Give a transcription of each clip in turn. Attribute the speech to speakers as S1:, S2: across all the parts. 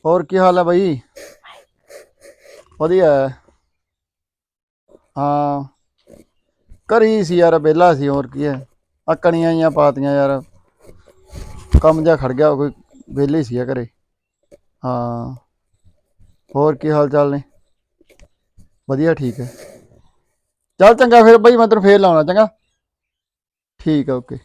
S1: ਹੋਰ ਕੀ ਹਾਲ ਹੈ ਬਾਈ? ਵਧੀਆ ਹੈ। ਹਾਂ, ਘਰੀ ਸੀ ਯਾਰ, ਵਿਹਲਾ ਸੀ। ਹੋਰ ਕੀ ਹੈ, ਆ ਕਣੀਆਂ ਜਿਹੀਆਂ ਪਾਤੀਆਂ ਯਾਰ, ਕੰਮ ਜਿਹਾ ਖੜ ਗਿਆ, ਕੋਈ ਵਿਹਲੇ ਸੀ ਘਰੇ। ਹਾਂ, ਹੋਰ ਕੀ ਹਾਲ ਚਾਲ ਨੇ? ਵਧੀਆ, ਠੀਕ ਹੈ। ਚੱਲ ਚੰਗਾ ਫਿਰ ਬਾਈ, ਮੈਂ ਤੈਨੂੰ ਫੇਰ ਲਾਉਣਾ। ਚੰਗਾ, ਠੀਕ ਹੈ, ਓਕੇ।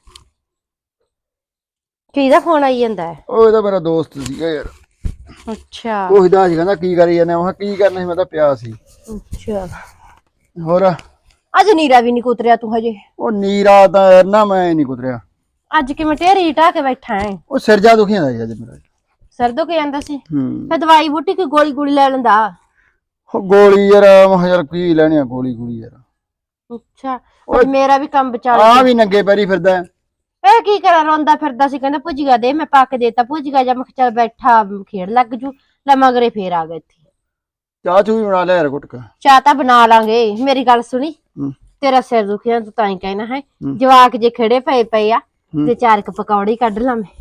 S2: ਕਿਹਦਾ ਫੋਨ ਆਈ ਜਾਂਦਾ ਹੈ?
S1: ਉਹ ਇਹਦਾ ਮੇਰਾ ਦੋਸਤ ਸੀਗਾ ਯਾਰ।
S2: ਅੱਛਾ
S1: ਉਹੀ ਤਾਂ ਅੱਜ ਕਹਿੰਦਾ ਕੀ ਕਰੀ ਜਾਂਦੇ? ਮੈਂ ਕੀ ਕਰਨਾ ਸੀ, ਮੈਂ ਤਾਂ ਪਿਆ ਸੀ।
S2: ਅੱਛਾ,
S1: ਹੋਰ
S2: ਅੱਜ ਨੀਰਾ ਵੀ ਨੀ ਕੁਤਰਿਆ ਤੂੰ ਹਜੇ?
S1: ਉਹ ਨੀਰਾ ਤਾਂ ਯਾਰ ਨਾ, ਮੈਂ ਨਹੀਂ ਕੁਤਰਿਆ।
S2: ਅੱਜ ਕਿਵੇਂ ਢੇਰੀ ਢਾਹ ਕੇ ਬੈਠਾ ਹੈ?
S1: ਉਹ ਸਿਰ ਜਾ ਦੁਖੀ ਜਾਂਦਾ ਸੀ ਅੱਜ ਮੇਰਾ।
S2: ਸਿਰ ਦੁਖ ਜਾਂਦਾ ਸੀ?
S1: ਹੂੰ,
S2: ਫਿਰ ਦਵਾਈ ਬੂਟੀ ਕੋਈ ਗੋਲੀ ਗੋਲੀ ਲੈ ਲੈਂਦਾ।
S1: ਉਹ ਗੋਲੀ ਯਾਰ, ਮੈਂ ਕਿਹਾ ਯਾਰ ਕੀ ਲੈਣੀ ਆ ਗੋਲੀ ਗੋਲੀ ਯਾਰ।
S2: ਅੱਛਾ, ਅੱਜ ਮੇਰਾ ਵੀ ਕੰਮ ਵਿਚਾਲੇ
S1: ਆ
S2: ਗਿਆ।
S1: ਵੀ ਨੰਗੇ ਪੈਰੀ ਫਿਰਦਾ।
S2: ਇਹ ਕੀ ਕਰਾਂ, ਰੋਂਦਾ ਫਿਰਦਾ ਸੀ, ਕਹਿੰਦਾ ਭੁੱਜੀਆ ਦੇ। ਮੈਂ ਪਾ ਕੇ ਦੇਤਾ ਭੁੱਜੀਆ ਜਾ। ਮੈਂ ਕਿਹਾ ਚੱਲ ਬੈਠਾ ਖੇਡ ਲੱਗ ਜੂ। ਲੈ ਮਗਰੇ ਫੇਰ ਆ ਗਿਆ ਇੱਥੇ।
S1: ਚਾਹ ਚੂ ਵੀ ਬਣਾ ਲਿਆ ਯਾਰ ਘੁੱਟਕ।
S2: ਚਾਹ ਤਾਂ ਬਣਾ ਲਾਂਗੇ। ਮੇਰੀ ਗੱਲ ਸੁਣੀ,
S1: ਹੂੰ
S2: ਤੇਰਾ ਸਿਰ ਦੁਖਿਆ ਤੂੰ ਤਾਂ ਹੀ ਕਹਿਣਾ ਹੈ।
S1: ਹੂੰ
S2: ਜਵਾਕ ਜੇ ਖੜੇ ਪਏ ਆ
S1: ਹੂੰ।
S2: ਤੇ 4 ਪਕੌੜੇ ਕੱਢ ਲਾਂ ਮੈਂ।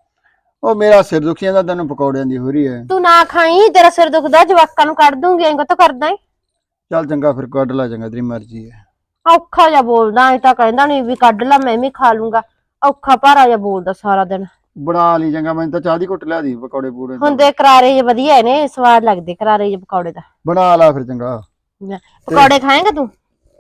S1: ਉਹ ਮੇਰਾ ਸਿਰ ਦੁਖੀ ਜਾਂਦਾ, ਤੈਨੂੰ ਪਕੌੜਿਆਂ ਦੀ ਹੋ ਰਹੀ ਹੈ।
S2: ਤੂੰ ਨਾ ਖਾਈ, ਤੇਰਾ ਸਿਰ ਦੁਖਦਾ, ਜਵਾਕਾਂ ਨੂੰ ਕੱਢ ਦੂੰਗੀ। ਐਂ ਤਾਂ ਕਰਦਾ ਏ।
S1: ਚੱਲ ਚੰਗਾ ਫਿਰ, ਕੱਢ ਲਾ। ਚੰਗਾ, ਤੇਰੀ ਮਰਜ਼ੀ ਹੈ।
S2: ਔਖਾ ਜਿਹਾ ਬੋਲਦਾ, ਐ ਤਾਂ ਕਹਿੰਦਾ ਨੀ ਵੀ ਕੱਢ ਲਾ, ਮੈਂ ਵੀ ਖਾ ਲੂੰਗਾ। ਔਖਾ ਭਾਰਾ ਜਿਹਾ ਬੋਲਦਾ ਸਾਰਾ ਦਿਨ।
S1: ਬਣਾ ਲਈ ਚੰਗਾ, ਮੈਨੂੰ ਤਾਂ ਚਾਹ ਦੀ ਘੁੱਟ ਲਿਆ ਦੀ, ਪਕੌੜੇ ਪੂੜੇ
S2: ਹੁੰਦੇ ਕਰਾਰੇ ਜਿਹੇ ਵਧੀਆ ਨੇ, ਸਵਾਦ ਲੱਗਦੇ ਕਰਾਰੇ ਜਿਹੇ ਪਕੌੜੇ ਦਾ।
S1: ਬਣਾ ਲਾ ਫਿਰ ਚੰਗਾ।
S2: ਪਕੌੜੇ ਖਾਏਗਾ ਤੂੰ?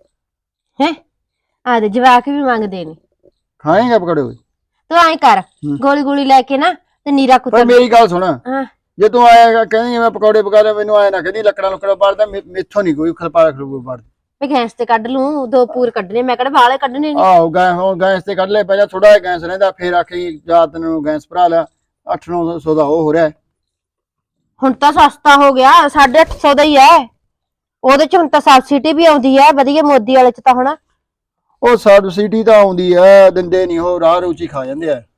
S2: ਹੈ ਆ ਦੇ, ਜਵਾਕ ਵੀ ਮੰਗਦੇ ਨੇ।
S1: ਖਾਏਗਾ ਪਕੌੜੇ?
S2: ਤੂੰ ਐਂ ਕਰ, ਗੋਲੀ ਗੋਲੀ ਲੈ ਕੇ ਨਾ ਤੇ ਨੀਰਾ ਕੁੱਤਰ।
S1: ਮੇਰੀ ਗੱਲ ਸੁਣ,
S2: ਹਾਂ,
S1: ਜੇ ਤੂੰ ਆਏਗਾ ਕਹਿੰਦੀ ਮੈਂ ਪਕੌੜੇ ਪਕਾ ਲਿਆ, ਮੈਨੂੰ ਆਏ ਨਾ ਕਹਿੰਦੀ ਲੱਕੜਾਂ ਲੁੱਕੜਾਂ ਬਾੜਦਾ। ਮੈਥੋਂ ਨਹੀਂ ਕੋਈ ਖਲਪਾ ਖਲੂ ਬਾੜਦਾ।
S2: ਮੈਂ ਗੈਸ ਤੇ ਕੱਢ ਲੂੰ, 2 ਪੂਰ ਕੱਢਣੇ। ਮੈਂ ਕਿਹੜਾ ਵਾਲੇ ਕੱਢਣੇ ਨੇ।
S1: ਆਹੋ, ਗੈਸ ਤੇ ਕੱਢ ਲੈ ਪਹਿਲਾਂ, ਥੋੜਾ ਜਿਹਾ ਗੈਸ ਰਹਿੰਦਾ, ਫੇਰ ਆਖੀ ਜਾਂ ਤੈਨੂੰ ਗੈਸ ਭਰਾ ਲਿਆ। 800-900 ਦਾ ਉਹ ਹੋ ਰਿਹਾ।
S2: ਹੁਣ ਤਾਂ ਸਸਤਾ ਹੋ ਗਿਆ, 850 ਦਾ ਹੀ ਹੈ। ਉਹਦੇ ਚ ਹੁਣ ਤਾਂ ਸਬਸਿਡੀ ਵੀ ਆਉਂਦੀ ਹੈ ਵਧੀਆ, ਮੋਦੀ ਵਾਲੇ ਚ ਤਾਂ ਹੁਣ।
S1: ਉਹ ਸਬਸਿਡੀ ਤਾਂ ਆਉਂਦੀ ਹੈ, ਦਿੰਦੇ ਨੀ ਉਹ, ਰਾਹ ਰੂਚੀ ਖਾ ਜਾਂਦੇ ਆ।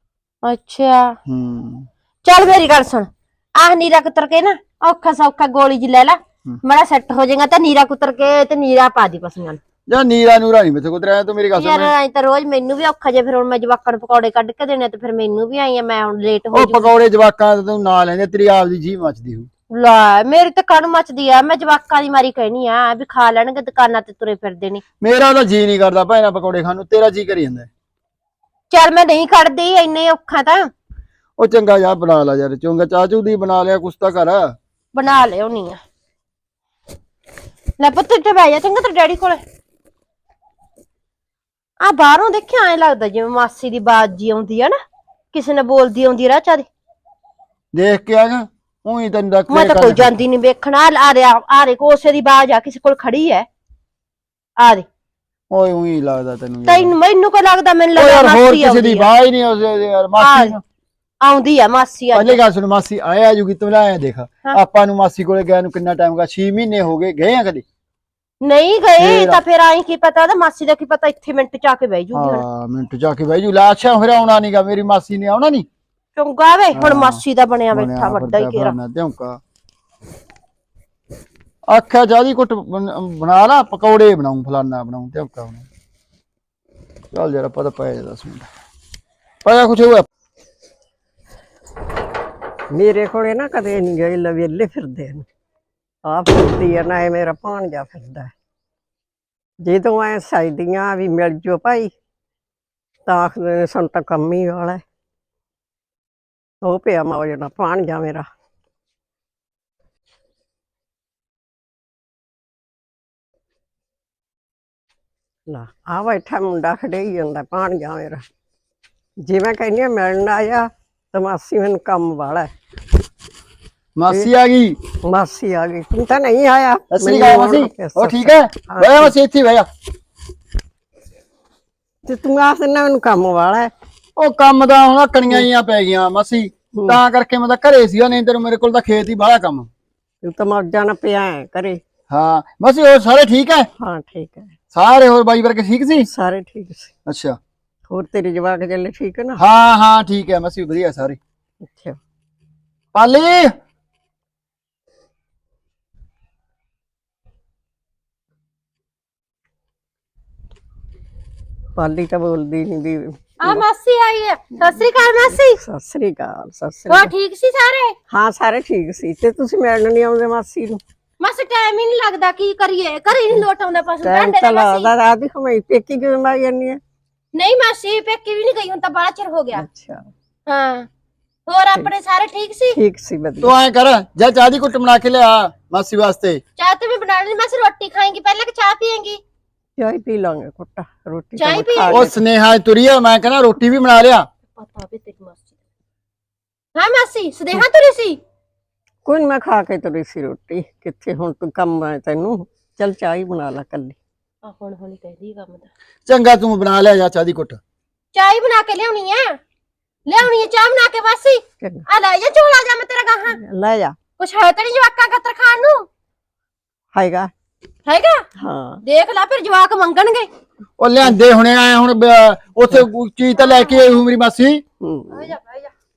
S2: ਅੱਛਾ,
S1: ਹੂੰ,
S2: ਚੱਲ ਮੇਰੀ ਗੱਲ ਸੁਣ, ਆਹ ਨੀਰਾ ਕੁਤਰ ਕੇ ਨਾ ਔਖਾ ਸੌਖਾ ਗੋਲੀ ਜੀ ਲੈ ਲਾ, ਮਾੜਾ ਸੈੱਟ ਹੋ ਜਾਏਗਾ। ਤਾਂ ਨੀਰਾ ਕੁਤਰ ਕੇ ਤੇ ਨੀਰਾ ਪਾ ਦੀ ਪਸ਼ੂਆਂ ਨੂੰ।
S1: ਜਾਂ ਨੀਰਾ ਨੂਰਾ ਨਹੀਂ ਮੈਥੇ ਕੁਤਰਿਆ। ਤੂੰ ਮੇਰੀ ਗੱਲ ਸੁਣ,
S2: ਯਾਰ ਐਂ ਤਾਂ ਰੋਜ਼ ਮੈਨੂੰ ਵੀ ਔਖਾ ਜੇ। ਫਿਰ ਹੁਣ ਮੈਂ ਜਵਾਕਾਂ ਨੂੰ ਪਕੌੜੇ ਕੱਢ ਕੇ ਦੇਣੇ, ਤੇ ਫਿਰ ਮੈਨੂੰ ਵੀ ਆਈ ਆ, ਮੈਂ ਹੁਣ ਲੇਟ ਹੋ
S1: ਉਹ
S2: ਜੂਗੀ।
S1: ਪਕੌੜੇ ਜਵਾਕਾਂ ਤੂੰ ਨਾ ਲੈਂਦੇ, ਤੇਰੀ ਆਪਦੀ ਜੀਭ ਮੱਚਦੀ ਹੋਊ।
S2: ਲੈ, ਮੇਰੀ ਤਾਂ ਕਣ ਮੱਚਦੀ ਆ। ਮੈਂ ਜਵਾਕਾਂ ਦੀ ਮਾਰੀ ਕਹਿਣੀ ਆ ਵੀ ਖਾ ਲੈਣਗੇ, ਦੁਕਾਨਾਂ ਤੇ ਤੁਰੇ ਫਿਰਦੇ ਨੇ।
S1: ਮੇਰਾ ਤਾਂ ਜੀ ਨਹੀਂ ਕਰਦਾ ਭੈਣਾ ਪਕੌੜੇ ਖਾਣ ਨੂੰ, ਤੇਰਾ ਜੀ ਕਰੀ ਜਾਂਦਾ।
S2: ਚੱਲ ਮੈਂ ਨਹੀਂ ਕੱਢਦੀ, ਇੰਨੇ ਔਖਾ ਤਾਂ।
S1: ਉਹ ਚੰਗਾ ਜਾ ਬਣਾ ਲਾ ਯਾਰ, ਚੰਗਾ ਚਾਹ ਚੂ ਦੀ ਬਣਾ ਲਿਆ, ਕੁਛ ਤਾਂ ਕਰ।
S2: ਬਣਾ ਲਿਆਉਣੀ ਆ। ਲੈ ਪੁੱਤ ਇੱਥੇ ਬਹਿ ਜਾ ਚੰਗਾ, ਤੇਰੇ ਡੈਡੀ ਕੋਲੇ। ਆ ਬਾਹਰੋਂ ਦੇਖਿਆ, ਐਂ ਲੱਗਦਾ ਜਿਵੇਂ ਮਾਸੀ ਦੀ ਬਾਤ ਜੀ ਆਉਂਦੀ ਆ ਨਾ, ਕਿਸੇ ਨੇ ਬੋਲਦੀ ਆਉਂਦੀ ਰਾਹ ਚ।
S1: ਦੇਖ ਕੇ ਆ ਜਾ, ਉਹੀ ਤੈਨੂੰ ਦੱਸ
S2: ਮੈਂ
S1: ਤੇਰੇ
S2: ਤਾਂ ਕੋਈ
S1: ਕੰਨ
S2: ਜਾਂਦੀ ਨੀ ਵੇਖਣਾ। ਆ ਦੇ ਕੋਸੇ ਦੀ ਬਾਜ ਆ, ਕਿਸੇ ਕੋਲ ਖੜੀ ਐ। ਆ ਦੇ।
S1: ਓਏ ਉਹੀ ਲੱਗਦਾ ਤੈਨੂੰ ਯਾਰ।
S2: ਤੈਨੂੰ ਮੈਨੂੰ ਕੋ ਲੱਗਦਾ? ਮੈਨੂੰ
S1: ਓ
S2: ਲੱਗਦਾ
S1: ਯਾਰ ਹੋਰ
S2: ਮਾਸੀ
S1: ਕਿਸੇ ਦੀ
S2: ਆਉਂਦੀ ਆ।
S1: ਬਾਹ ਹੀ ਨਹੀਂ ਉਸ ਯਾਰ, ਮਾਸੀ ਨੂੰ
S2: ਆਉਂਦੀ ਆ ਮਾਸੀ ਅੱਜ।
S1: ਪਹਿਲੇ ਗੱਲ ਸੁਣ, ਮਾਸੀ ਆਇਆ ਜੂਗੀ, ਤੂੰ ਲੈ ਆਇਆ ਦੇਖ। ਆਪਾਂ ਨੂੰ ਮਾਸੀ ਕੋਲੇ ਗਿਆ ਨੂੰ ਕਿੰਨਾ ਟਾਈਮ ਹੋ ਗਿਆ? 6 ਮਹੀਨੇ ਹੋ ਗਏ ਆ ਕਦੇ?
S2: ਨਹੀਂ ਗਏ ਤਾਂ ਫਿਰ ਆਈ ਕੀ ਪਤਾ, ਮਾਸੀ ਦਾ ਕੀ ਪਤਾ ਇੱਥੇ ਮਿੰਟ ਚ ਆ ਕੇ ਬਹਿ ਜੂਗੀ।
S1: ਹਾਂ, ਮਿੰਟ ਚ ਆ ਕੇ ਬਹਿ ਜੂ। ਲੈ ਅੱਛਾ, ਫਿਰ ਆਉਣਾ ਨੀਗਾ, ਮੇਰੀ ਮਾਸੀ ਨੇ ਆਉਣਾ ਨੀ।
S2: ਚੰਗਾ ਵੇ, ਹੁਣ ਮਾਸੀ ਦਾ ਬਣਿਆ ਬੈਠਾ ਵੱਡਾ ਹੀ ਘੇਰਾ।
S1: ਧਿਉਂਕਾ ਆਖਿਆ ਚਾਹ ਦੀ ਘੁੱਟ ਬਣਾ ਲਾ, ਪਕੌੜੇ ਬਣਾਉ, ਫਲਾਨਾ ਬਣਾਉ, ਧਿਉਂਕਾ ਬਣਾਉ। ਚੱਲ ਯਾਰ, ਆਪਾਂ ਤਾਂ ਪਏ 10 ਮਿੰਟ ਪਾਇਆ ਕੁਛ ਹੋਇਆ।
S3: ਮੇਰੇ ਕੋਲੇ ਨਾ ਕਦੇ ਨਹੀਂ ਗਏ, ਲਵੇਲੇ ਫਿਰਦੇ ਨੇ। ਆ ਫਿਰਦੀ ਆ ਨਾ, ਇਹ ਮੇਰਾ ਭਾਣਜਾ ਫਿਰਦਾ। ਜਦੋਂ ਐ ਸਜਦੀਆਂ ਵੀ ਮਿਲ ਜੋ ਭਾਈ, ਤਾਂ ਆਖਦੇ ਨੇ ਸਾਨੂੰ ਤਾਂ ਕੰਮ ਹੀ ਵਾਲਾ। ਉਹ ਪਿਆ ਮੌਜ ਨਾਲ ਭਾਣਜਾ ਮੇਰਾ। ਲਾ ਆ ਬੈਠਾ ਮੁੰਡਾ ਖੜੇਈ ਜਾਂਦਾ, ਭਾਣਜਾ ਮੇਰਾ। ਜਿਵੇਂ ਕਹਿੰਦੀ ਆ ਮਿਲਣ ਆਇਆ, ਤਾਂ ਮਾਸੀ ਮੈਨੂੰ ਕੰਮ ਵਾਲਾ।
S1: ਮਾਸੀ ਆ ਗਈ?
S3: ਮਾਸੀ ਆ ਗਈ, ਤੂੰ ਤਾਂ ਨਹੀਂ ਆਇਆ।
S1: ਸਸਰੀ ਅਕਾਲ ਮਾਸੀ, ਉਹ ਠੀਕ ਹੈ? ਬਹਿ ਮਾਸੀ, ਇੱਥੇ ਬਹਿ ਜਾ।
S3: ਤੇ ਤੂੰ ਆਖ ਦਿੰਦਾ ਮੈਨੂੰ ਕੰਮ ਵਾਲਾ।
S1: ਉਹ ਕੰਮ ਦਾ ਹੁਣ ਕਣੀਆਂ ਜੀਆਂ ਪੈ ਗਈਆਂ ਮਾਸੀ, ਤਾਂ ਕਰਕੇ ਮੈਂ ਤਾਂ ਘਰੇ ਸੀਗਾ, ਨਹੀਂ ਤੈਨੂੰ ਮੇਰੇ ਕੋਲ ਤਾਂ ਖੇਤ ਹੀ ਬਾਹਲਾ ਕੰਮ।
S3: ਤੂੰ ਤਾਂ ਮੌਜਾਂ ਨਾਲ ਪਿਆ ਘਰੇ।
S1: ਹਾਂ ਮਾਸੀ, ਹੋਰ ਸਾਰੇ ਠੀਕ ਹੈ?
S3: ਹਾਂ ਠੀਕ ਹੈ
S1: ਸਾਰੇ। ਹੋਰ ਬਾਈ ਵਰਗੇ ਠੀਕ ਸੀ?
S3: ਸਾਰੇ ਠੀਕ ਸੀ।
S1: ਅੱਛਾ,
S3: ਹੋਰ ਤੇਰੇ ਜਵਾਕ ਜੱਲੇ ਠੀਕ ਹੈ ਨਾ?
S1: ਹਾਂ ਹਾਂ ਠੀਕ ਹੈ ਮਾਸੀ, ਵਧੀਆ ਸਾਰੇ।
S3: ਅੱਛਾ,
S1: ਪਾਲੀ
S3: ਪਾਲੀ ਤਾਂ ਬੋਲਦੀ ਨਹੀਂ ਵੀ
S2: ਆ ਮਾਸੀ ਆਈ ਹੈ। ਸਤਿ ਸ੍ਰੀ ਅਕਾਲ ਮਾਸੀ।
S3: ਸਤਿ ਸ੍ਰੀ ਅਕਾਲ, ਸਤਿ ਸ੍ਰੀ
S2: ਹੋਰ
S3: ਅਕਾਲ।
S2: ਠੀਕ ਸੀ ਸਾਰੇ?
S3: ਹਾਂ ਸਾਰੇ ਠੀਕ ਸੀ, ਤੇ ਤੁਸੀਂ ਮਿਲਣ ਨਹੀਂ ਆਉਂਦੇ ਮਾਸੀ ਨੂੰ?
S2: ਮਾਸੀ ਟਾਈਮ ਹੀ ਨਹੀਂ ਲੱਗਦਾ, ਕੀ ਕਰੀਏ, ਘਰੇ ਨਹੀਂ ਲੋਟ ਆਉਂਦਾ ਪਸ਼ੂ
S3: ਟਾਈਮ
S2: ਭਾਂਡੇ
S3: ਤਾਂ
S2: ਦਾ ਮਾਸੀ।
S3: ਲੱਗਦਾ, ਰਾਤ ਦੀ ਕਮਾਈ ਪੇਕੀ ਕਿਵੇਂ ਮਾਰੀ ਜਾਂਦੀ ਹੈ?
S2: ਨਹੀਂ ਮਾਸੀ ਪੇਕੇ ਵੀ ਨਹੀਂ ਗਈ, ਹੁਣ ਤਾਂ ਬੜਾ ਚਿਰ ਹੋ ਗਿਆ।
S3: ਅੱਛਾ,
S2: ਹਾਂ ਹੋਰ ਆਪਣੇ ਸਾਰੇ ਠੀਕ ਸੀ?
S3: ਠੀਕ ਸੀ, ਵਧੀਆ।
S1: ਤੂੰ ਐ ਕਰ, ਜਾ ਚਾਹ ਦੀ ਕੁੱਟ ਬਣਾ ਕੇ ਲਿਆ ਮਾਸੀ ਵਾਸਤੇ।
S2: ਚਾਹ ਤੇ ਮੈਂ ਬਣਾ ਲਈ ਮਾਸੀ। ਰੋਟੀ ਖਾਏਂਗੀ ਪਹਿਲਾਂ ਕਿ ਚਾਹ ਪੀਏਂਗੀ?
S3: ਚਾਹ ਪੀ ਲਾਂਗੇ ਘੁੱਟ, ਰੋਟੀ
S2: ਚਾਹ
S3: ਤਾਂ
S2: ਪੀ
S3: ਖਾ
S1: ਉਹ
S3: ਲਈ।
S1: ਸਨੇਹਾ ਤੁਰੀ ਆ, ਮੈਂ ਕਹਿੰਦਾ ਰੋਟੀ ਵੀ ਬਣਾ ਲਿਆ।
S2: ਪਤਾ ਵੀ ਤੇਰੀ ਮਾਸੀ ਦਾ। ਹਾਂ ਮਾਸੀ ਸਦੇਹਾ ਤੁਰੀ ਸੀ?
S3: ਕੋਈ ਨੀ, ਮੈਂ ਖਾ ਕੇ ਤੁਰੀ ਸੀ ਰੋਟੀ। ਕਿੱਥੇ ਹੁਣ ਤੂੰ ਕੰਮ ਹੈ ਤੈਨੂੰ, ਚੱਲ ਚਾਹ ਹੀ ਬਣਾ ਲੈ ਕੱਲੀ।
S2: ਆ ਹੁਣ ਹੌਲੀ ਕਹਿੰਦੀ ਕੰਮ ਦਾ।
S1: ਚੰਗਾ ਤੂੰ ਬਣਾ ਲਿਆ ਜਾ ਚਾਹ ਦੀ ਕੁੱਟ।
S2: ਚਾਹ ਹੀ ਬਣਾ ਕੇ ਲਿਆਉਣੀ ਆ, ਲਿਆਉਣੀ ਆ ਚਾਹ ਬਣਾ ਕੇ ਮਾਸੀ।
S3: ਚੰਗਾ,
S2: ਆ ਲੈ ਜਾ ਝੋਲਾ ਜਾ, ਮੈਂ ਤੇਰਾ ਗਾਹਾਂ
S3: ਲੈ ਜਾ।
S2: ਕੁਛ ਹੈ ਤਾਂ ਨਹੀਂ ਜਵਾਕਾਂ ਕਤਰ ਖਾਣ ਨੂੰ?
S3: ਹੈਗਾ?
S2: ਹੈਗਾ?
S3: ਹਾਂ,
S2: ਦੇਖ ਲੈ ਫਿਰ ਜਵਾਕ ਮੰਗਣਗੇ।
S1: ਉਹ ਲਿਆਂਦੇ ਹੁਣੇ ਆਏ ਹੁਣ ਉੱਥੇ ਚੀਜ਼ ਤਾਂ ਲੈ ਕੇ ਆਈ ਹੂੰ ਮੇਰੀ ਮਾਸੀ।
S3: ਹੂੰ।
S2: ਜਾ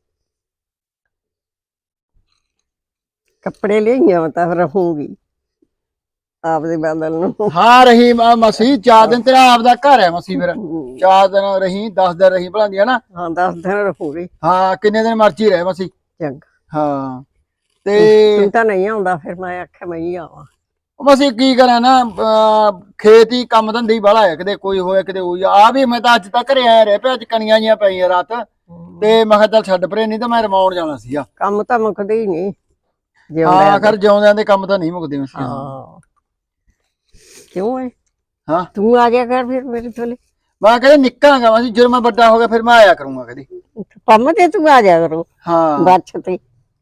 S3: ਕੱਪੜੇ ਲਿਆਈਆਂ ਤਾਂ ਰਹੂੰਗੀ ਆਪਦੇ ਬਦਲ ਨੂੰ।
S1: ਹਾਂ ਰਹੀ ਮਾਸੀ 4 ਦਿਨ ਤੇਰਾ ਆਪਦਾ ਘਰ ਹੈ ਮਾਸੀ, ਫਿਰ 4 ਦਿਨ ਰਹੀ, 10 ਦਿਨ ਰਹੀ ਭਲਾਂਦੀ ਹੈ ਨਾ।
S3: ਹਾਂ 10 ਦਿਨ ਰਹੂੰਗੀ।
S1: ਹਾਂ ਕਿੰਨੇ ਦਿਨ ਮਰਜ਼ੀ ਰਹੇ ਮਾਸੀ।
S3: ਚੰਗਾ,
S1: ਹਾਂ ਤੇ
S3: ਤੂੰ ਤਾਂ ਨਹੀਂ ਆਉਂਦਾ, ਫਿਰ ਮੈਂ ਆਖਿਆ ਮੈਂ ਹੀ ਆਵਾਂ।
S1: ਮਾਸੀ ਕੀ ਕਰਾਂ ਨਾ, ਖੇਤ ਹੀ ਕੰਮ ਧੰਦੇ ਹੀ ਬਾਹਲਾ ਹੈ, ਕਿਤੇ ਕੋਈ ਹੋਇਆ ਕਿਤੇ ਹੋਈ ਆ ਵੀ। ਮੈਂ ਤਾਂ ਅੱਜ ਤੱਕ ਘਰੇ ਆਇਆ ਰਿਹਾ ਪਿਆ, ਅੱਜ ਕਣੀਆਂ ਜੀਆਂ ਪਈਆਂ ਰਾਤ, ਤੇ ਮੈਂ ਕਿਹਾ ਚੱਲ ਛੱਡ ਪਰੇ, ਨਹੀਂ ਤਾਂ ਮੈਂ ਰਮਾਉਣ ਜਾਣਾ ਸੀਗਾ।
S3: ਕੰਮ ਤਾਂ ਮੁੱਕਦੇ ਹੀ ਨਹੀਂ।
S1: ਹਾਂ ਆਖਰ ਜਿਉਂਦਿਆਂ ਦੇ ਕੰਮ ਤਾਂ ਨਹੀਂ ਮੁੱਕਦੇ ਮਾਸੀ।
S3: ਹਾਂ, ਕਿਉਂ ਹੈ?
S1: ਹਾਂ
S3: ਤੂੰ ਆ ਗਿਆ ਕਰ ਫਿਰ ਮੇਰੇ ਕੋਲੇ।
S1: ਮੈਂ ਕਹਿੰਦਾ ਨਿੱਕਾਂਗਾ ਮਾਸੀ, ਜਦੋਂ ਮੈਂ ਵੱਡਾ ਹੋ ਗਿਆ ਫਿਰ ਮੈਂ ਆਇਆ ਕਰੂੰਗਾ ਕਦੀ।
S3: ਕੰਮ ਤੇ ਤੂੰ ਆ ਜਾ ਕਰੋ
S1: ਹਾਂ
S3: ਬੱਚ ਤੇ।